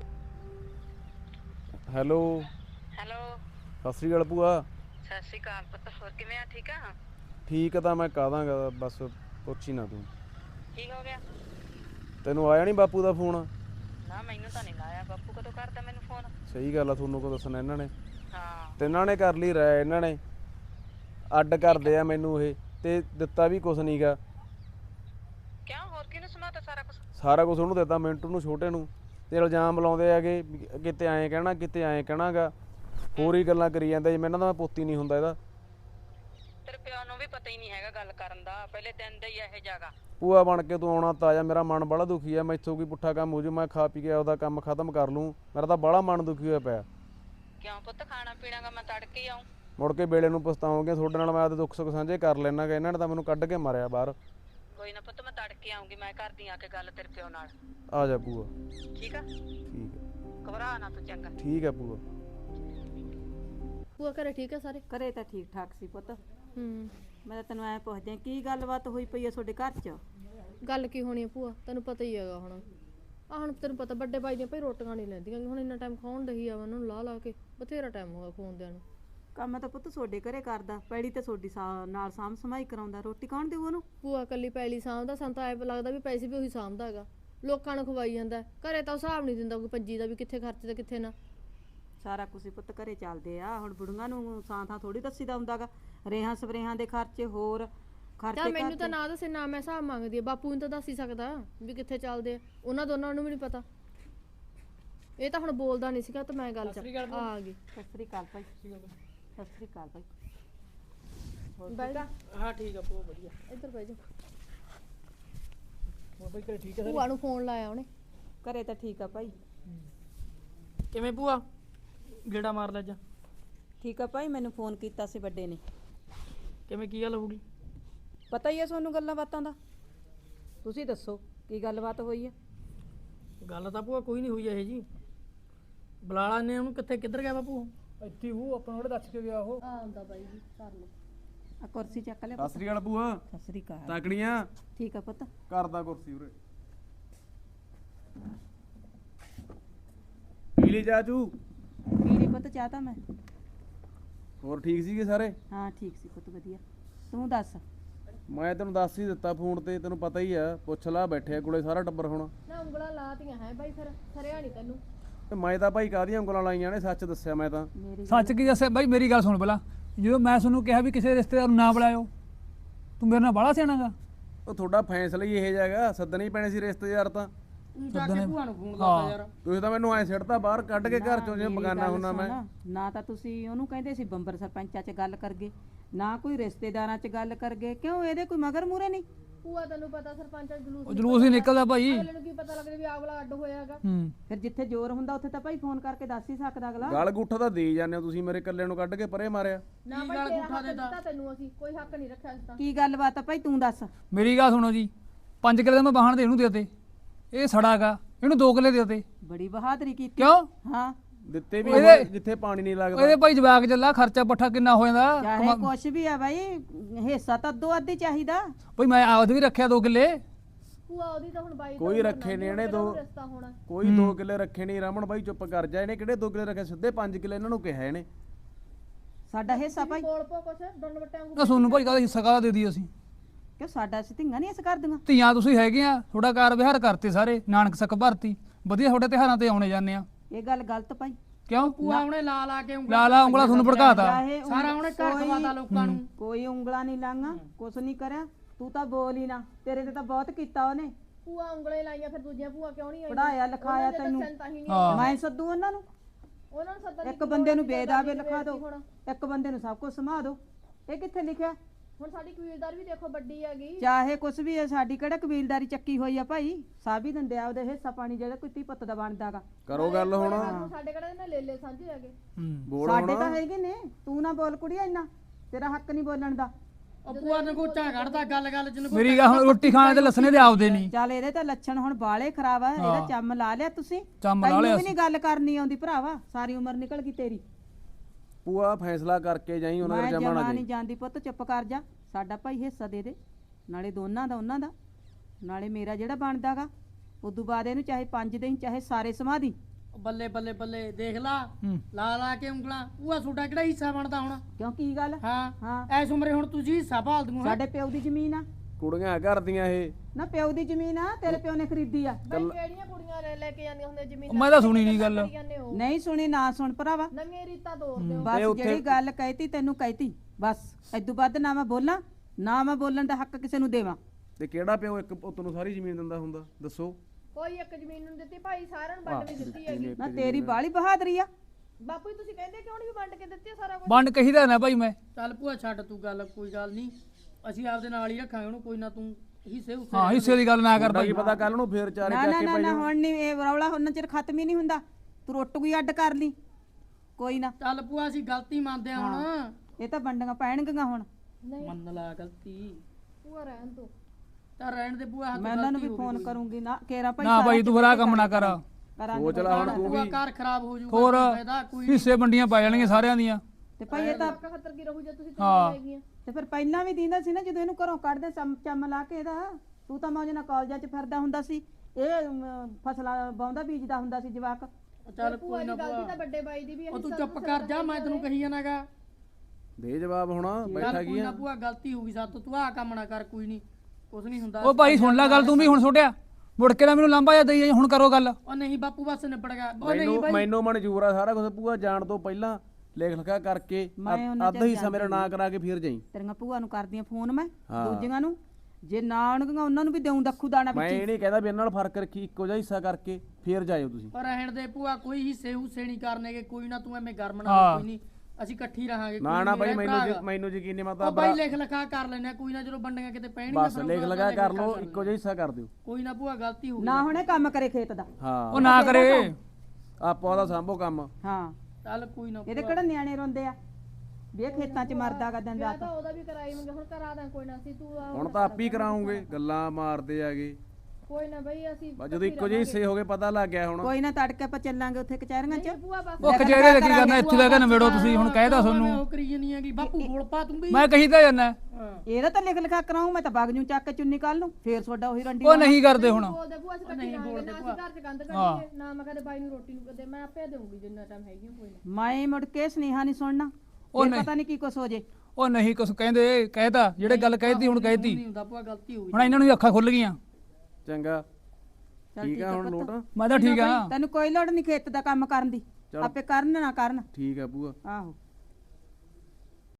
[SPEAKER 4] ਹੈਲੋ ਸਤਿ ਸ੍ਰੀ ਅਕਾਲ ਭੂਆ।
[SPEAKER 7] ਸਤਿ ਸ਼੍ਰੀ ਅਕਾਲ ਪੁੱਤ, ਹੋਰ ਕਿਵੇਂ ਆ? ਠੀਕ ਆ?
[SPEAKER 4] ਠੀਕ ਤਾਂ ਮੈਂ ਕਹ ਦਾਂਗਾ, ਬਸ ਪੁੱਛ ਹੀ ਨਾ ਤੂੰ।
[SPEAKER 7] ਕੀ ਹੋ ਗਿਆ?
[SPEAKER 4] ਤੈਨੂੰ ਆਇਆ ਨਹੀਂ ਬਾਪੂ ਦਾ ਫੋਨ?
[SPEAKER 7] ਨਾ ਮੈਨੂੰ ਤਾਂ ਨਹੀਂ ਲਾਇਆ, ਬਾਪੂ ਕਦੋਂ ਕਰਦਾ ਮੈਨੂੰ ਫੋਨ?
[SPEAKER 4] ਸਹੀ ਗੱਲ ਆ, ਤੁਹਾਨੂੰ ਕੋ ਦੱਸਣਾ ਇਹਨਾਂ ਨੇ।
[SPEAKER 7] ਹਾਂ
[SPEAKER 4] ਤੇ ਇਹਨਾਂ ਨੇ ਕਰ ਲਈ ਰਾਇ, ਇਹਨਾਂ ਨੇ ਅੱਡ ਕਰਦੇ ਆ ਮੈਨੂੰ ਇਹ, ਤੇ ਦਿੱਤਾ ਵੀ ਕੁਛ ਨਹੀਂਗਾ।
[SPEAKER 7] ਕਿਉਂ, ਹੋਰ ਕਿਹਨੂੰ ਸੁਣਾਤਾ ਸਾਰਾ ਕੁਝ?
[SPEAKER 4] ਸਾਰਾ ਕੁਝ ਉਹਨੂੰ ਦਿੱਤਾ, ਮਿੰਟੂ ਨੂੰ, ਛੋਟੇ ਨੂੰ। ਤੇ ਇਲਜ਼ਾਮ ਲਾਉਂਦੇ ਆਗੇ ਵੀ ਕਿਤੇ ਐਂ ਕਹਿਣਾ ਕਿਤੇ ਐਂ ਕਹਿਣਾਗਾ, ਹੋਰ ਹੀ ਗੱਲਾਂ ਕਰੀ ਜਾਂਦੇ ਜਿਵੇਂ ਇਹਨਾਂ ਦਾ ਮੈਂ ਪੋਤੀ ਨਹੀਂ ਹੁੰਦਾ ਇਹਦਾ।
[SPEAKER 7] ਤੇਰੇ ਪਿਓ ਨੂੰ ਵੀ ਪਤਾ ਹੀ ਨਹੀਂ ਹੈਗਾ ਗੱਲ ਕਰਨ ਦਾ, ਪਹਿਲੇ ਦਿਨ ਦਾ ਹੀ ਇਹ ਜਾਗਾ।
[SPEAKER 4] ਭੂਆ ਬਣ ਕੇ ਤੂੰ ਆਉਣਾ ਤਾਜਾ, ਮੇਰਾ ਮਨ ਬੜਾ ਦੁਖੀ ਆ। ਮੈਥੋਂ ਕੋਈ ਪੁੱਠਾ ਕੰਮ ਹੋ ਜੂ, ਮੈਂ ਖਾ ਪੀ ਕੇ ਆਪਦਾ ਕੰਮ ਖਤਮ ਕਰ ਲੂੰ। ਮੇਰਾ ਤਾਂ ਬੜਾ ਮਨ ਦੁਖੀ ਹੋਇਆ ਪਿਆ।
[SPEAKER 7] ਕਿਉਂ ਪੁੱਤ, ਖਾਣਾ ਪੀਣਾਗਾ ਮੈਂ ਤੜਕੇ ਹੀ ਆਉਂ?
[SPEAKER 4] ਮੁੜ ਕੇ ਵੇਲੇ ਨੂੰ ਪਛਤਾਓਗੇ। ਤੁਹਾਡੇ ਨਾਲ ਮੈਂ ਆਪਦੇ ਦੁੱਖ ਸੁੱਖ ਸਾਂਝੇ ਕਰ ਲੈਣਾਗਾ, ਇਹਨਾਂ ਨੇ ਤਾਂ ਮੈਨੂੰ ਕੱਢ ਕੇ ਮਾਰਿਆ ਬਾਹਰ।
[SPEAKER 7] ਕੋਈ ਨਾ ਪੁੱਤ, ਮੈਂ ਤੜਕੇ ਆਉਂਗੀ, ਮੈਂ ਕਰਦੀ ਆ ਕੇ ਗੱਲ ਤੇਰੇ ਪਿਓ ਨਾਲ।
[SPEAKER 4] ਆ ਜਾ ਭੂਆ।
[SPEAKER 7] ਠੀਕ ਆ?
[SPEAKER 4] ਠੀਕ ਹੈ,
[SPEAKER 7] ਘਬਰਾ ਨਾ ਤੂੰ, ਚੰਗਾ?
[SPEAKER 4] ਠੀਕ ਹੈ ਭੂਆ।
[SPEAKER 2] ਭੂਆ ਘਰੇ ਠੀਕ ਆ ਸਾਰੇ?
[SPEAKER 1] ਘਰੇ ਤਾਂ ਠੀਕ ਠਾਕ ਸੀ ਪੁੱਤ।
[SPEAKER 2] ਹੂੰ।
[SPEAKER 1] ਮੈਂ ਤਾਂ ਤੈਨੂੰ ਐ ਪੁੱਛਦੀ ਆ ਕੀ ਗੱਲਬਾਤ ਹੋਈ ਪਈ ਆ ਤੁਹਾਡੇ ਘਰ 'ਚ?
[SPEAKER 2] ਗੱਲ ਕੀ ਹੋਣੀ ਆ ਭੂਆ, ਤੈਨੂੰ ਪਤਾ ਹੀ ਹੈਗਾ ਹੁਣ। ਹੁਣ ਤੈਨੂੰ ਪਤਾ ਵੱਡੇ ਭਾਈ ਦੀਆਂ ਭਾਈ ਰੋਟੀਆਂ ਨਹੀਂ ਲੈਂਦੀਆਂ, ਹੁਣ ਇੰਨਾ ਟਾਈਮ ਖਾਉਣ ਦਈ ਆ ਉਹਨਾਂ ਨੂੰ ਲਾ ਕੇ, ਬਥੇਰਾ ਟਾਈਮ ਹੋ ਗਿਆ ਖਵਾਉਂਦਿਆਂ ਨੂੰ।
[SPEAKER 1] ਕੰਮ ਤਾਂ ਪੁੱਤ ਤੁਹਾਡੇ ਘਰੇ ਕਰਦਾ, ਪੈੜੀ ਤੇ ਤੁਹਾਡੀ ਨਾਲ ਸਾਂਭ ਸਮਾਈ ਕਰਾਉਂਦਾ, ਰੋਟੀ ਕੌਣ ਦੇਊ ਉਹਨੂੰ?
[SPEAKER 2] ਭੂਆ ਕੱਲੀ ਪੈਲੀ ਸਾਂਭਦਾ, ਸਾਨੂੰ ਤਾਂ ਐ ਲੱਗਦਾ ਵੀ ਪੈਸੇ ਵੀ ਉਹੀ ਸਾਂਭਦਾ ਹੈਗਾ, ਲੋਕਾਂ ਨੂੰ ਖਵਾਈ ਜਾਂਦਾ। ਘਰੇ ਤਾਂ ਉਹ ਹਿਸਾਬ ਨਹੀਂ ਦਿੰਦਾ ਕੋਈ ਪੰਜੀ ਦਾ ਵੀ ਕਿੱਥੇ ਖਰਚੇ ਤੇ ਕਿੱਥੇ ਨਾ।
[SPEAKER 1] ਸਾਰਾ ਕੁਝ ਹੀ ਪੁੱਤ ਘਰੇ ਚੱਲਦੇ ਆ। ਹੁਣ ਬੁੜੀਆਂ ਨੂੰ ਥਾਂ ਥੋੜੀ ਦੱਸੀਦਾ ਹੁੰਦਾਗਾ, ਰੇਹਾਂ ਸਪਰੇਹਾਂ ਦੇ ਖਰਚੇ, ਹੋਰ ਖਰਚੇ
[SPEAKER 2] ਤਾਂ ਮੈਨੂੰ ਤਾਂ ਨਾ ਦੱਸੇ, ਨਾ ਮੈਂ ਹਿਸਾਬ ਮੰਗਦੀ ਆ। ਬਾਪੂ ਨੂੰ ਤਾਂ ਦੱਸ ਹੀ ਸਕਦਾ ਵੀ ਕਿੱਥੇ ਚੱਲਦੇ ਆ, ਉਹਨਾਂ ਦੋਨਾਂ ਨੂੰ ਵੀ ਨਹੀਂ ਪਤਾ। ਇਹ ਤਾਂ ਹੁਣ ਬੋਲਦਾ ਨਹੀਂ ਸੀਗਾ, ਤਾਂ ਮੈਂ ਗੱਲ ਚ ਆ ਗਈ।
[SPEAKER 1] ਸਤਿ ਸ੍ਰੀ ਅਕਾਲ ਭਾਈ। ਸਤਿ ਸ੍ਰੀ ਅਕਾਲ ਭਾਈ।
[SPEAKER 2] ਬਹਿ ਜਾ,
[SPEAKER 5] ਹਾਂ ਠੀਕ ਆ ਭੂਆ, ਵਧੀਆ।
[SPEAKER 2] ਇੱਧਰ ਬਹਿ ਜਾ।
[SPEAKER 5] ਹੋਰ ਬਾਈ ਘਰੇ ਠੀਕ ਆ?
[SPEAKER 2] ਭੂਆ ਨੂੰ ਫੋਨ ਲਾਇਆ ਉਹਨੇ।
[SPEAKER 1] ਘਰੇ ਤਾਂ ਠੀਕ ਆ ਭਾਈ।
[SPEAKER 5] ਕਿਵੇਂ ਭੂਆ, ਗੇੜਾ ਮਾਰ ਲੈ ਜਾ।
[SPEAKER 1] ਠੀਕ ਆ ਭਾਈ, ਮੈਨੂੰ ਫੋਨ ਕੀਤਾ ਸੀ ਵੱਡੇ ਨੇ।
[SPEAKER 5] ਕਿਵੇਂ, ਕੀ ਗੱਲ ਹੋ ਗਈ?
[SPEAKER 1] ਪਤਾ ਹੀ ਆ ਤੁਹਾਨੂੰ ਗੱਲਾਂ ਬਾਤਾਂ ਦਾ, ਤੁਸੀਂ ਦੱਸੋ ਕੀ ਗੱਲਬਾਤ ਹੋਈ ਆ?
[SPEAKER 5] ਗੱਲ ਤਾਂ ਭੂਆ ਕੋਈ ਨਹੀਂ ਹੋਈ ਇਹ ਜੀ। ਬਲਾਲਾ ਨੇ ਉਹਨੂੰ ਕਿੱਧਰ ਗਿਆ ਬਾਪੂ?
[SPEAKER 3] ਇੱਥੇ ਉਹ ਆਪਾਂ ਨੂੰ ਦੱਸ ਕੇ ਗਿਆ ਉਹ।
[SPEAKER 2] ਆਉਂਦਾ ਬਾਈ ਜੀ, ਕਰ ਲਓ।
[SPEAKER 1] ਆ ਕੁਰਸੀ ਚੱਕ ਲੈ।
[SPEAKER 4] ਸਤਿ ਸ੍ਰੀ ਅਕਾਲ ਭੂਆ।
[SPEAKER 1] ਸਤਿ ਸ੍ਰੀ ਅਕਾਲ।
[SPEAKER 4] ਤਕੜੀਆਂ
[SPEAKER 1] ਠੀਕ ਆ ਪੁੱਤ।
[SPEAKER 4] ਕਰਦਾ ਕੁਰਸੀ ਉਰੇ। ਪੀ ਲਈ ਚਾਚੂ?
[SPEAKER 1] ਪੀਲੀ ਪੁੱਤ ਚਾਹ ਤਾਂ ਮੈਂ।
[SPEAKER 4] ਹੋਰ ਠੀਕ ਸੀਗੇ ਸਾਰੇ?
[SPEAKER 1] ਹਾਂ ਠੀਕ ਸੀ ਪੁੱਤ, ਵਧੀਆ। ਤੂੰ ਦੱਸ।
[SPEAKER 4] ਮੈਂ ਤੈਨੂੰ ਦੱਸ ਹੀ ਦਿੱਤਾ ਫੋਨ ਤੇ, ਤੈਨੂੰ ਪਤਾ ਹੀ ਆ। ਪੁੱਛ ਲਾ, ਬੈਠਿਆ ਕੋਲੇ ਸਾਰਾ ਟੱਬਰ ਹੁਣ।
[SPEAKER 2] ਨਾ ਉਂਗਲਾਂ ਲਾਤੀਆਂ ਹੈ ਬਾਈ, ਫਿਰ ਸਰਿਆ ਨਹੀਂ ਤੈਨੂੰ।
[SPEAKER 4] ਤੇ ਮੈਂ ਤਾਂ ਭਾਈ ਕਾਹਦੀਆਂ ਉਂਗਲਾਂ ਲਾਈਆਂ ਨੇ, ਸੱਚ ਦੱਸਿਆ ਮੈਂ ਤਾਂ।
[SPEAKER 1] ਮੇਰੀ
[SPEAKER 3] ਸੱਚ ਕੀ ਦੱਸਿਆ ਬਾਈ, ਮੇਰੀ ਗੱਲ ਸੁਣ ਪਹਿਲਾਂ। ਜਦੋਂ ਮੈਂ ਤੁਹਾਨੂੰ ਕਿਹਾ ਵੀ ਕਿਸੇ ਰਿਸ਼ਤੇਦਾਰ ਨੂੰ ਨਾ ਬੁਲਾਇਓ, ਤੂੰ ਮੇਰੇ ਨਾਲ ਬਾਹਲਾ ਸਿਆਣਾਗਾ।
[SPEAKER 4] ਉਹ ਤੁਹਾਡਾ ਫੈਸਲਾ ਹੀ ਇਹ ਜਾਗਾ, ਸੱਦਣੇ ਹੀ ਪੈਣੇ ਸੀ ਰਿਸ਼ਤੇਦਾਰ ਤਾਂ।
[SPEAKER 5] ਤੂੰ ਜਾ ਕੇ ਭੂਆ ਨੂੰ ਫੋਨ ਕਰਦਾ ਯਾਰ।
[SPEAKER 4] ਤੁਸੀਂ ਤਾਂ ਮੈਨੂੰ ਐ ਸਿੱਟਦਾ ਬਾਹਰ ਕੱਢ ਕੇ ਘਰ ਚੋਂ, ਜਿਵੇਂ
[SPEAKER 1] ਮੇਰੀ
[SPEAKER 4] ਬਗਾਨਾ
[SPEAKER 1] ਗੱਲ
[SPEAKER 4] ਹੁੰਨਾ ਮੈਂ।
[SPEAKER 1] ਸੁਣ, ਨਾ ਤਾਂ ਤੁਸੀਂ ਉਹਨੂੰ ਕਹਿੰਦੇ ਸੀ ਬੰਬਰ ਸਰਪੰਚਾਂ 'ਚ ਗੱਲ ਕਰਗੇ, ਨਾ ਕੋਈ ਰਿਸ਼ਤੇਦਾਰਾਂ 'ਚ ਗੱਲ ਕਰਗੇ, ਕਿਉਂ ਇਹਦੇ ਕੋਈ ਮਗਰ ਮੂਰੇ ਨਹੀਂ?
[SPEAKER 2] ਭੂਆ ਤੈਨੂੰ ਪਤਾ ਸਰਪੰਚ ਦਾ
[SPEAKER 3] ਉਹ ਜਲੂਸ ਹੀ ਨਿਕਲਦਾ ਭਾਈ।
[SPEAKER 2] ਅਗਲੇ ਨੂੰ ਕੀ ਪਤਾ ਲੱਗਦਾ ਵੀ ਅਗਲਾ ਅੱਡ ਹੋਇਆਗਾ।
[SPEAKER 3] ਹੂੰ
[SPEAKER 1] ਫਿਰ ਜਿੱਥੇ ਜ਼ੋਰ ਹੁੰਦਾ ਉੱਥੇ ਤਾਂ ਭਾਈ ਫੋਨ ਕਰਕੇ ਦੱਸ ਹੀ ਸਕਦਾ ਅਗਲਾ।
[SPEAKER 4] ਗਲ ਗੁੱਠਾ ਤਾਂ ਦੇ ਜਾਂਦੇ ਹੋ ਤੁਸੀਂ, ਮੇਰੇ ਇਕੱਲੇ ਨੂੰ ਕੱਢ ਕੇ ਪਰੇ ਮਾਰਿਆ।
[SPEAKER 2] ਨਾ ਭਾਈ ਤੇਰਾ ਹੱਕ ਦਿੱਤਾ ਤੈਨੂੰ ਅਸੀਂ, ਕੋਈ ਹੱਕ ਨਹੀਂ ਰੱਖਿਆ ਇਸ ਤਾਂ।
[SPEAKER 1] ਕੀ ਗੱਲਬਾਤ ਆ ਭਾਈ ਤੂੰ ਦੱਸ।
[SPEAKER 3] ਮੇਰੀ ਗੱਲ ਸੁਣੋ ਜੀ, 5 ਕਿੱਲੇ ਮੈਂ ਬਾਹਣ ਦੇ ਇਹਨੂੰ ਦੇਤੇ, ਇਹ ਸੜਾਗਾ, ਇਹਨੂੰ 2 ਕਿੱਲੇ ਦੇਤੇ।
[SPEAKER 1] ਬੜੀ ਬਹਾਦਰੀ ਕੀਤੀ।
[SPEAKER 3] ਕਿਉਂ?
[SPEAKER 1] ਹਾਂ
[SPEAKER 4] ਦਿੱਤੇ ਵੀ
[SPEAKER 3] ਇਹਦੇ-
[SPEAKER 4] ਹੋਏ ਜਿੱਥੇ ਪਾਣੀ ਨਹੀਂ ਲੱਗਦਾ।
[SPEAKER 3] ਇਹਦੇ ਭਾਈ ਜਵਾਕ ਚੱਲਾ, ਖਰਚਾ ਪੱਠਾ ਕਿੰਨਾ ਹੋ ਜਾਂਦਾ।
[SPEAKER 1] ਚਾਹੇ ਕੁਛ ਵੀ ਆ ਭਾਈ, ਹਿੱਸਾ ਤਾਂ ਅੱਧੋ ਅੱਧ ਹੀ ਚਾਹੀਦਾ।
[SPEAKER 3] ਭਾਈ ਮੈਂ ਆਪਦ ਵੀ ਰੱਖਿਆ 2 ਕਿੱਲੇ।
[SPEAKER 2] ਭੂਆ ਉਹਦੀ ਤਾਂ ਹੁਣ ਬਾਈ ਦਾ
[SPEAKER 4] ਕੋਈ ਰੱਖੇ ਨੇ ਇਹਨੇ ਦੋ,
[SPEAKER 2] ਰਿਸ਼ਤਾ ਹੋਣਾ।
[SPEAKER 4] ਕੋਈ 2 ਕਿੱਲੇ ਰੱਖੇ ਨਹੀਂ। ਰਮਨ ਬਾਈ ਚੁੱਪ ਕਰ ਜਾ, ਇਹਨੇ ਕਿਹੜੇ 2 ਕਿੱਲੇ ਰੱਖੇ, ਸਿੱਧੇ 5 ਕਿੱਲੇ ਇਹਨਾਂ ਨੂੰ ਕਿਹਾ ਇਹਨੇ।
[SPEAKER 1] ਸਾਡਾ ਹਿੱਸਾ ਭਾਈ
[SPEAKER 2] ਕੋਲ ਪੋ ਕੁਛ ਡੰਨ ਵੱਟਿਆਂ ਨੂੰ
[SPEAKER 3] ਨਾ ਸੋਨੂੰ ਭਾਈ ਕਾਹਦਾ ਹਿੱਸਾ ਕਾਹਦਾ ਦੇ ਦੀ ਅਸੀਂ।
[SPEAKER 1] ਕਿਉਂ ਸਾਡਾ ਅਸੀਂ ਧੀਆਂ ਨਹੀਂ ਇਸ ਕਰਦੀਆਂ?
[SPEAKER 3] ਧੀਆਂ ਤੁਸੀਂ ਹੈਗੇ ਆ, ਥੋੜਾ ਕਾਰ ਵਿਹਾਰ ਕਰਤੇ ਸਾਰੇ, ਨਾਨਕ ਸੱਕ ਭਰਤੀ, ਵਧੀਆ ਤੁਹਾਡੇ ਤਿਉਹਾਰਾਂ ਤੇ ਆਉਣੇ ਜਾਂਦੇ ਆ।
[SPEAKER 1] ਇਹ ਗੱਲ ਗਲਤ ਭਾਈ।
[SPEAKER 3] ਕਿਉਂ?
[SPEAKER 5] ਭੂਆ ਉਹਨੇ ਲਾ ਲਾ ਕੇ
[SPEAKER 3] ਲਾ ਉਂਗਲਾ ਤੁਹਾਨੂੰ ਭੜਕਾਤਾ।
[SPEAKER 1] ਚਾਹੇ
[SPEAKER 5] ਸਾਰਾ ਉਹਨੇ ਘਰ ਖਵਾਤਾ ਲੋਕਾਂ ਨੂੰ।
[SPEAKER 1] ਕੋਈ ਉਂਗਲਾ ਨਹੀਂ ਲਾਂਗਾ, ਕੁਛ ਨਹੀਂ ਕਰਿਆ। ਤੂੰ ਤਾਂ ਬੋਲ ਹੀ ਨਾ, ਤੇਰੇ ਤੇ ਤਾਂ ਬਹੁਤ ਕੀਤਾ ਉਹਨੇ।
[SPEAKER 2] ਭੂਆ ਉਂਗਲੇ ਲਾਈਆਂ, ਫਿਰ ਦੂਜੀਆਂ ਭੂਆ ਕਿਉਂ ਨਹੀਂ ਆਈਆਂ?
[SPEAKER 1] ਪੜਾਇਆ ਲਿਖਾਇਆ ਤੈਨੂੰ।
[SPEAKER 2] ਤਾਂ ਹੀ ਨਹੀਂ
[SPEAKER 3] ਹਾਂ
[SPEAKER 1] ਮੈਂ ਸੱਦੂ ਉਹਨਾਂ ਨੂੰ।
[SPEAKER 2] ਉਹਨਾਂ ਨੂੰ ਸੱਦਣ
[SPEAKER 1] ਇੱਕ ਬੰਦੇ ਨੂੰ ਬੇਦਾਵੇ ਲਿਖਾ ਦਿਓ, ਇੱਕ ਬੰਦੇ ਨੂੰ ਸਭ ਕੁਝ ਸਮਾ ਦਿਓ। ਇਹ ਕਿੱਥੇ ਲਿਖਿਆ?
[SPEAKER 2] ਹੁਣ ਸਾਡੀ ਕਬੀਲਦਾਰ ਵੀ ਦੇਖੋ ਵੱਡੀ ਹੈਗੀ।
[SPEAKER 1] ਚਾਹੇ ਕੁਛ ਵੀ ਹੈ, ਸਾਡੀ ਕਿਹੜਾ ਕਬੀਲਦਾਰੀ ਚੱਕੀ ਹੋਈ ਆ ਭਾਈ। ਸਭ ਹੀ ਦਿੰਦੇ ਆ ਉਹਦੇ ਹਿੱਸਾ ਪਾਣੀ ਜਿਹੜਾ ਕੋਈ ਧੀ ਪੁੱਤ ਦਾ ਬਣਦਾਗਾ।
[SPEAKER 4] ਕਰੋ ਗੱਲ ਹੁਣ,
[SPEAKER 2] ਸਾਡੇ ਕਿਹੜੇ ਨੇ ਲੇਲੇ ਸਾਂਝੇ ਹੈਗੇ।
[SPEAKER 3] ਹੂੰ
[SPEAKER 4] ਬੋਲ
[SPEAKER 1] ਸਾਡੇ
[SPEAKER 4] ਹੁਣ।
[SPEAKER 1] ਤਾਂ ਹੈਗੇ ਨੇ, ਤੂੰ ਨਾ ਬੋਲ ਕੁੜੀਆ ਇੰਨਾ, ਤੇਰਾ ਹੱਕ ਨਹੀਂ ਬੋਲਣ ਦਾ।
[SPEAKER 5] ਉਹ ਭੂਆ ਨੇ ਗੋਚਾ ਕੱਢਦਾ ਗੱਲ ਗੱਲ ਚ
[SPEAKER 3] ਮੇਰੀ ਗੱਲ ਹੁਣ, ਰੋਟੀ ਖਾਣੇ ਤੇ ਲੱਸਣੇ ਦੇ ਆਪਦੇ ਨਹੀਂ।
[SPEAKER 1] ਚੱਲ ਇਹਦੇ ਤਾਂ ਲੱਛਣ ਹੁਣ ਬਾਲੇ ਖਰਾਬ ਆ, ਇਹਦਾ ਚੰਮ ਲਾ ਲਿਆ ਤੁਸੀਂ।
[SPEAKER 3] ਚੰਮ ਲਾ
[SPEAKER 1] ਤੈਨੂੰ
[SPEAKER 3] ਲਿਆ
[SPEAKER 1] ਵੀ ਨਹੀਂ ਗੱਲ ਕਰਨੀ ਆਉਂਦੀ ਭਰਾਵਾ, ਸਾਰੀ ਉਮਰ ਨਿਕਲ ਗਈ ਤੇਰੀ।
[SPEAKER 4] ਪੂਆ ਫੈਸਲਾ ਕਰਕੇ ਜਾਈ, ਉਹਨਾਂ
[SPEAKER 1] ਮੈਂ
[SPEAKER 4] ਦਾ ਜਮਾਨਾ
[SPEAKER 1] ਜਮਾ
[SPEAKER 4] ਜਾਈ।
[SPEAKER 1] ਨਹੀਂ ਜਾਂਦੀ ਪੁੱਤ, ਚੁੱਪ ਕਰ ਜਾ। ਸਾਡਾ ਭਾਈ ਹਿੱਸਾ ਦੇ ਦੇ, ਨਾਲੇ ਦੋਨਾਂ ਦਾ ਉਹਨਾਂ ਦਾ, ਨਾਲੇ ਮੇਰਾ ਜਿਹੜਾ ਬਣਦਾਗਾ। ਉਦੋਂ ਬਾਅਦ ਇਹਨੂੰ ਚਾਹੇ 5 ਦੇਈਂ, ਚਾਹੇ ਸਾਰੇ ਸਮਾ ਦੀ।
[SPEAKER 5] ਬੱਲੇ ਬੱਲੇ ਬੱਲੇ ਦੇਖ ਲਾ,
[SPEAKER 3] ਹੂੰ
[SPEAKER 5] ਲਾ ਲਾ ਕੇ ਉਂਗਲਾਂ। ਭੂਆ ਤੁਹਾਡਾ ਕਿਹੜਾ ਹਿੱਸਾ ਬਣਦਾ ਹੁਣ?
[SPEAKER 1] ਕਿਉਂ ਕੀ ਗੱਲ?
[SPEAKER 5] ਹਾਂ
[SPEAKER 1] ਹਾਂ
[SPEAKER 5] ਐਸ ਉਮਰੇ ਹੁਣ ਤੁਸੀਂ ਹਿੱਸਾ ਭਾਲ ਦੂੰ।
[SPEAKER 1] ਸਾਡੇ ਪਿਓ ਦੀ ਜ਼ਮੀਨ ਆ
[SPEAKER 4] ਕੁੜੀਆਂ ਕਰਦੀਆਂ ਇਹ।
[SPEAKER 1] ਨਾ, ਪਿਓ ਦੀ ਜ਼ਮੀਨ ਆ, ਤੇਰੇ ਪਿਓ ਨੇ ਖਰੀਦੀ ਆ।
[SPEAKER 2] ਬਈ ਕਿਹੜੀਆਂ ਕੁੜੀਆਂ ਲੈ ਕੇ ਜਾਂਦੀਆਂ ਹੁੰਦੀਆਂ ਜ਼ਮੀਨ?
[SPEAKER 3] ਮੈਂ ਤਾਂ ਸੁਣੀ ਨਹੀਂ ਗੱਲ।
[SPEAKER 1] ਨਹੀਂ ਸੁਣੀ ਨਾ ਸੁਣ ਭਰਾਵਾ।
[SPEAKER 2] ਨਵੀਆਂ ਰੀਤਾਂ ਤੋੜ ਦਿਓ।
[SPEAKER 1] ਬਸ ਜਿਹੜੀ ਗੱਲ ਕਹਿਤੀ ਤੈਨੂੰ ਕਹਿਤੀ ਬਸ। ਇਦੋਂ ਵੱਧ ਨਾ ਮੈਂ ਬੋਲਾਂ, ਨਾ ਮੈਂ ਬੋਲਣ ਦਾ ਹੱਕ ਕਿਸੇ ਨੂੰ ਦੇਵਾਂ।
[SPEAKER 4] ਤੇ ਕਿਹੜਾ ਪਿਓ ਇੱਕ ਪੁੱਤ ਨੂੰ ਸਾਰੀ ਜ਼ਮੀਨ ਦਿੰਦਾ ਹੁੰਦਾ, ਦੱਸੋ?
[SPEAKER 2] ਕੋਈ ਇੱਕ ਜ਼ਮੀਨ ਨੂੰ ਦਿੱਤੀ ਭਾਈ, ਸਾਰਿਆਂ ਨੂੰ ਵੰਡ ਵੀ ਦਿੱਤੀ ਹੈਗੀ।
[SPEAKER 1] ਨਾ ਤੇਰੀ ਬਾਲੀ ਬਹਾਦਰੀ ਆ।
[SPEAKER 2] ਬਾਪੂ ਜੀ ਤੁਸੀਂ ਕਹਿੰਦੇ ਕਿਉਂ ਨਹੀਂ ਵੀ ਵੰਡ ਕੇ ਦਿੱਤੀ ਆ ਸਾਰਾ ਕੁਝ?
[SPEAKER 3] ਵੰਡ ਕਹੀਦਾ ਨਾ ਭਾਈ ਮੈਂ।
[SPEAKER 5] ਚੱਲ ਭੂਆ ਛੱਡ ਤੂੰ ਗੱਲ, ਕੋਈ ਗੱਲ ਨਹੀਂ, ਅਸੀਂ ਆਪਦੇ ਨਾਲ ਹੀ ਰੱਖਾਂਗੇ ਉਹਨੂੰ। ਕੋਈ ਨਾ ਤੂੰ ਹਿੱਸੇ ਹੁੱਸੇ
[SPEAKER 3] ਹਾਂ ਹਿੱਸੇ ਦੀ ਗੱਲ ਨਾ ਕਰ
[SPEAKER 4] ਮੁੰਡਾ
[SPEAKER 3] ਭਾਈ।
[SPEAKER 4] ਕੀ ਪਤਾ ਕੱਲ ਨੂੰ ਫੇਰ ਚਾਰੇ
[SPEAKER 1] ਨਾ
[SPEAKER 4] ਚੱਕ
[SPEAKER 1] ਨਾ
[SPEAKER 4] ਕੇ
[SPEAKER 1] ਨਾ
[SPEAKER 4] ਪੈ
[SPEAKER 1] ਨਾ
[SPEAKER 4] ਜਾਓ।
[SPEAKER 1] ਹੁਣ ਨਹੀਂ, ਇਹ ਰੌਲਾ ਉਹਨਾਂ ਚਿਰ ਖਤਮ ਹੀ ਨਹੀਂ ਹੁੰਦਾ। ਤੂੰ ਰੁੱਟ ਗਈ ਅੱਡ ਕਰ ਲਈ, ਕੋਈ ਨਾ।
[SPEAKER 5] ਚੱਲ ਭੂਆ ਅਸੀਂ ਗਲਤੀ ਮੰਨਦੇ ਆ ਹੁਣ।
[SPEAKER 1] ਇਹ ਤਾਂ ਵੰਡੀਆਂ ਪੈਣਗੀਆਂ ਹੁਣ।
[SPEAKER 5] ਮੰਨ ਲਾ ਗਲਤੀ,
[SPEAKER 2] ਭੂਆ ਰਹਿਣ ਤੋਂ
[SPEAKER 5] ਤਾਂ ਰਹਿਣ ਦੇ ਭੂਆ। ਹੱਥ
[SPEAKER 1] ਮੈਂ ਉਹਨਾਂ ਨੂੰ ਵੀ ਫੋਨ ਕਰੂੰਗੀ ਨਾ, ਕੇਰਾ ਭਾਈ
[SPEAKER 3] ਨਾ ਭਾਈ ਤੂੰ ਫਿਰ ਆਹ ਕੰਮ ਨਾ ਕਰ।
[SPEAKER 1] ਕਰਾਂਗੇ
[SPEAKER 4] ਸੋਚ ਲੈ ਹੁਣ ਤੂੰ
[SPEAKER 5] ਭੂਆ
[SPEAKER 4] ਵੀ।
[SPEAKER 5] ਘਰ ਖਰਾਬ ਹੋ ਜਾਊਗਾ।
[SPEAKER 3] ਹੋਰ
[SPEAKER 5] ਫਾਇਦਾ ਕੋਈ
[SPEAKER 3] ਹਿੱਸੇ ਵੰਡੀਆਂ ਪੈ ਜਾਣਗੀਆਂ ਸਾਰਿਆਂ ਦੀਆਂ।
[SPEAKER 1] ਤੇ ਭਾਈ ਇਹ ਤਾਂ
[SPEAKER 2] ਖਤਰ ਕੀ ਰਹੂ ਜੇ ਤੁਸੀਂ
[SPEAKER 3] ਹਾਂ।
[SPEAKER 2] ਤੇ ਹੈਗੀਆਂ।
[SPEAKER 1] ਤੇ ਫਿਰ ਪਹਿਲਾਂ ਵੀ ਦਿੰਦਾ ਸੀ ਨਾ, ਜਦੋਂ ਇਹਨੂੰ ਘਰੋਂ ਕੱਢਦੇ ਚੰਮ ਲਾ ਕੇ ਇਹਦਾ। ਤੂੰ ਤਾਂ ਮੌਜ ਨਾਲ ਕਾਲਜਾਂ 'ਚ ਫਿਰਦਾ ਹੁੰਦਾ ਸੀ, ਇਹ ਫਸਲਾਂ ਬਾਉਂਦਾ ਬੀਜਦਾ ਹੁੰਦਾ ਸੀ ਜਵਾਕ।
[SPEAKER 5] ਚੱਲ
[SPEAKER 2] ਭੂਆ
[SPEAKER 5] ਕੋਈ
[SPEAKER 2] ਦੀ
[SPEAKER 5] ਨਾ
[SPEAKER 2] ਗਲਤੀ
[SPEAKER 5] ਭੂਆ,
[SPEAKER 2] ਤਾਂ ਵੱਡੇ ਬਾਈ ਦੀ ਵੀ
[SPEAKER 5] ਉਹ ਤੂੰ ਚੁੱਪ ਕਰ ਜਾ, ਮੈਂ ਤੈਨੂੰ ਕਹੀ ਜਾਣਾਗਾ।
[SPEAKER 4] ਦੇ ਜਵਾਬ ਹੁਣ, ਬੈਠਾ
[SPEAKER 5] ਚੱਲ
[SPEAKER 4] ਕੀ
[SPEAKER 5] ਕੋਈ
[SPEAKER 4] ਆ?
[SPEAKER 5] ਨਾ ਭੂਆ, ਗਲਤੀ ਹੋ ਗਈ ਸਾਤੋਂ, ਤੂੰ ਆਹ ਕੰਮ ਨਾ ਕਰ। ਕੋਈ ਨਹੀਂ, ਕੁਝ ਨਹੀਂ ਹੁੰਦਾ।
[SPEAKER 3] ਉਹ ਭਾਈ ਸੁਣ ਲੈ ਗੱਲ, ਤੂੰ ਵੀ ਹੁਣ ਛੋਟਿਆ ਮੁੜ ਕੇ ਨਾ ਮੈਨੂੰ ਲਾਂਭਾ ਜਾਂ ਦੇਈ ਜਾਈਂ, ਹੁਣ ਕਰੋ ਗੱਲ।
[SPEAKER 5] ਉਹ ਨਹੀਂ ਬਾਪੂ ਬਸ ਨਿਬੜ ਗਿਆ। ਉਹ ਨਹੀਂ
[SPEAKER 4] ਮੈਨੂੰ
[SPEAKER 5] ਬਾਈ,
[SPEAKER 4] ਮੈਨੂੰ ਮਨਜ਼ੂਰ ਆ ਸਾਰਾ ਕੁਝ। ਪੂਆ ਜਾਣ ਤੋਂ ਪਹਿਲਾਂ ਲੇਖ ਲਿਖਾ ਕਰਕੇ
[SPEAKER 1] ਮੈਂ ਉਹਨਾਂ
[SPEAKER 4] ਅੱਧਾ ਹਿੱਸਾ ਮੇਰਾ ਨਾਂ ਕਰਾ ਕੇ ਫੇਰ ਜਾਈ।
[SPEAKER 1] ਤੇਰੀਆਂ ਭੂਆ ਨੂੰ ਕਰਦੀਆਂ ਫੋਨ ਮੈਂ,
[SPEAKER 4] ਹਾਂ।
[SPEAKER 1] ਦੂਜੀਆਂ ਨੂੰ ਜੇ ਨਾ ਆਉਣਗੀਆਂ ਉਹਨਾਂ ਨੂੰ ਵੀ ਦੇਉਂ ਦੱਖੂ ਦਾਣਾ
[SPEAKER 4] ਮੈਂ
[SPEAKER 1] ਵਿੱਚ।
[SPEAKER 4] ਇਹ ਨਹੀਂ ਕਹਿੰਦਾ ਵੀ ਇਹਨਾਂ ਨਾਲ ਫਰਕ ਰੱਖੀ, ਇੱਕੋ ਜਿਹਾ ਹਿੱਸਾ ਕਰਕੇ ਫੇਰ ਜਾਇਓ ਤੁਸੀਂ।
[SPEAKER 5] ਪਰ ਰਹਿਣ ਦੇ ਭੂਆ, ਕੋਈ ਹਿੱਸੇ ਹੁੱਸੇ ਨਹੀਂ ਕਰਨੇਗੇ। ਕੋਈ ਨਾ ਤੂੰ ਐਵੇਂ ਗਰਮ ਨਾ
[SPEAKER 3] ਹਾਂ।
[SPEAKER 5] ਹੋ, ਕੋਈ ਨਹੀਂ, ਅਸੀਂ ਇਕੱਠੀ ਰਹਾਂਗੇ।
[SPEAKER 4] ਨਾ
[SPEAKER 5] ਕੋਈ
[SPEAKER 4] ਨਾ
[SPEAKER 5] ਮੇਰਾ
[SPEAKER 4] ਬਾਈ,
[SPEAKER 5] ਭਰਾ
[SPEAKER 4] ਮੈਨੂੰ
[SPEAKER 5] ਗਾ।
[SPEAKER 4] ਮੈਨੂੰ ਯਕੀਨ ਨਹੀਂ, ਮੈਂ
[SPEAKER 5] ਉਹ
[SPEAKER 4] ਤਾਂ
[SPEAKER 5] ਬਾਈ ਲਿਖ ਲਿਖਾ ਕਰ ਲੈਣਾ। ਕੋਈ ਨਾ, ਜਦੋਂ ਵੰਡੀਆਂ ਕਿਤੇ ਪੈਣਗੀਆਂ
[SPEAKER 4] ਬਸ ਲਿਖ ਲਗਾ ਕਰ ਲਓ, ਇੱਕੋ ਜਿਹਾ ਹਿੱਸਾ ਕਰ ਦਿਓ।
[SPEAKER 5] ਕੋਈ ਨਾ ਭੂਆ, ਗਲਤੀ ਹੋ ਗਈ।
[SPEAKER 1] ਨਾ ਹੁਣੇ ਕੰਮ ਕਰੇ ਖੇਤ ਦਾ।
[SPEAKER 4] ਹਾਂ
[SPEAKER 3] ਉਹ ਨਾ ਕਰੇ।
[SPEAKER 4] ਆਪੋ ਦਾ ਸੰਭੋ ਕੰਮ।
[SPEAKER 1] ਹਾਂ
[SPEAKER 5] ਚੱਲ ਕੋਈ ਨਾ
[SPEAKER 1] ਇਹਦੇ ਕਿਹੜਾ ਨਿਆਣੇ ਰੋਂਦੇ ਆ ਵੀ ਇਹ ਖੇਤਾਂ 'ਚ ਮਰਦਾਗਾ ਦਿਨ
[SPEAKER 2] ਵਿਆਹ
[SPEAKER 1] ਰਾਤ।
[SPEAKER 2] ਤਾਂ ਉਹਦਾ ਵੀ ਕਰਾਈ ਮੰਗੇ, ਹੁਣ ਕਰਾ ਦਾਂ ਕੋਈ ਨਾ। ਅਸੀਂ ਤੂੰ
[SPEAKER 4] ਹੁਣ ਤਾਂ ਆਪ ਹੀ ਕਰਾਉਂਗੇ, ਗੱਲਾਂ ਮਾਰਦੇ ਆਗੇ।
[SPEAKER 2] ਕੋਈ ਨਾ ਬਈ, ਅਸੀਂ
[SPEAKER 4] ਬਸ ਜਦੋਂ ਇੱਕੋ ਜਿਹੇ ਹਿੱਸੇ ਹੋ ਗਏ ਪਤਾ ਲੱਗ ਗਿਆ ਹੁਣ।
[SPEAKER 1] ਕੋਈ ਨਾ ਤੜਕੇ ਆਪਾਂ ਚੱਲਾਂਗੇ ਉੱਥੇ ਕਚਹਿਰੀਆਂ 'ਚ।
[SPEAKER 2] ਭੂਆ ਬਸ
[SPEAKER 3] ਉਹ ਕਚਹਿਰੇ ਦੇ ਕੀ ਕਰਨਾ, ਇੱਥੇ ਬਹਿ ਕੇ ਨਵੇੜੋ ਤੁਸੀਂ। ਹੁਣ ਕਹਿਦਾ
[SPEAKER 5] ਮੈਂ
[SPEAKER 3] ਤੁਹਾਨੂੰ,
[SPEAKER 5] ਉਹ ਕਰੀ ਜਾਨੀ ਹੈਗੀ। ਬਾਪੂ ਬੋਲ ਪਾ ਤੂੰ ਵੀ।
[SPEAKER 3] ਮੈਂ ਕਹੀਦਾ ਜਾਂਦਾ।
[SPEAKER 1] ਇਹਦਾ ਤਾਂ ਲਿਖ ਲਿਖਾ ਕਰਾਉਂ ਮੈਂ ਤਾਂ ਬਾਗ ਜੂ ਚੱਕ ਕੇ ਚੁੰਨੀ ਕੱਲ ਨੂੰ ਫੇਰ ਤੁਹਾਡਾ ਉਹੀ ਰੰਡੀ।
[SPEAKER 3] ਉਹ ਨਹੀਂ ਕਰਦੇ ਹੁਣ।
[SPEAKER 2] ਬੋਲਦੇ ਭੂਆ, ਅਸੀਂ ਇਕੱਠੀ ਰਹਾਂਗੇ ਨਾ। ਅਸੀਂ ਘਰ 'ਚ ਗੰਦ ਕੱਢੀਏ ਨਾ। ਮੈਂ ਕਦੇ ਬਾਈ ਨੂੰ ਰੋਟੀ ਨੂੰ ਕਦੇ ਮੈਂ ਆਪੇ ਦੇਵਾਂਗੀ ਜਿੰਨਾ ਟਾਈਮ ਹੈਗੀ। ਕੋਈ ਨਾ,
[SPEAKER 1] ਮੈਂ ਮੁੜ ਕੇ ਸੁਨੇਹਾ ਨਹੀਂ ਸੁਣਨਾ।
[SPEAKER 3] ਉਹ
[SPEAKER 1] ਇਹ
[SPEAKER 3] ਨਹੀਂ।
[SPEAKER 1] ਪਤਾ ਨਹੀਂ ਕੀ ਕੁਛ ਹੋ ਜੇ।
[SPEAKER 3] ਉਹ ਨਹੀਂ ਕੁਛ ਕਹਿੰਦੇ, ਕਹਿਤਾ ਜਿਹੜੇ ਗੱਲ ਕਹਿਤੀ ਹੁਣ ਕਹਿਤੀ।
[SPEAKER 5] ਨਹੀਂ ਹੁੰਦਾ ਭੂਆ, ਗਲਤੀ ਹੋ ਗਈ।
[SPEAKER 3] ਹੁਣ ਇਹਨਾਂ ਨੂੰ ਵੀ ਅੱਖਾਂ ਖੁੱਲ ਗਈਆਂ।
[SPEAKER 4] ਚੰਗਾ ਠੀਕ ਆ ਹੁਣ ਲੋਟ।
[SPEAKER 3] ਮੈਂ ਤਾਂ ਠੀਕ ਆ।
[SPEAKER 1] ਤੈਨੂੰ ਕੋਈ ਲੋੜ ਨਹੀਂ ਖੇਤ ਦਾ ਕੰਮ ਕਰਨ ਦੀ, ਆਪੇ ਕਰਨ ਨਾ ਕਰਨ।
[SPEAKER 4] ਠੀਕ ਆ ਪੂਆ।
[SPEAKER 1] ਆਹੋ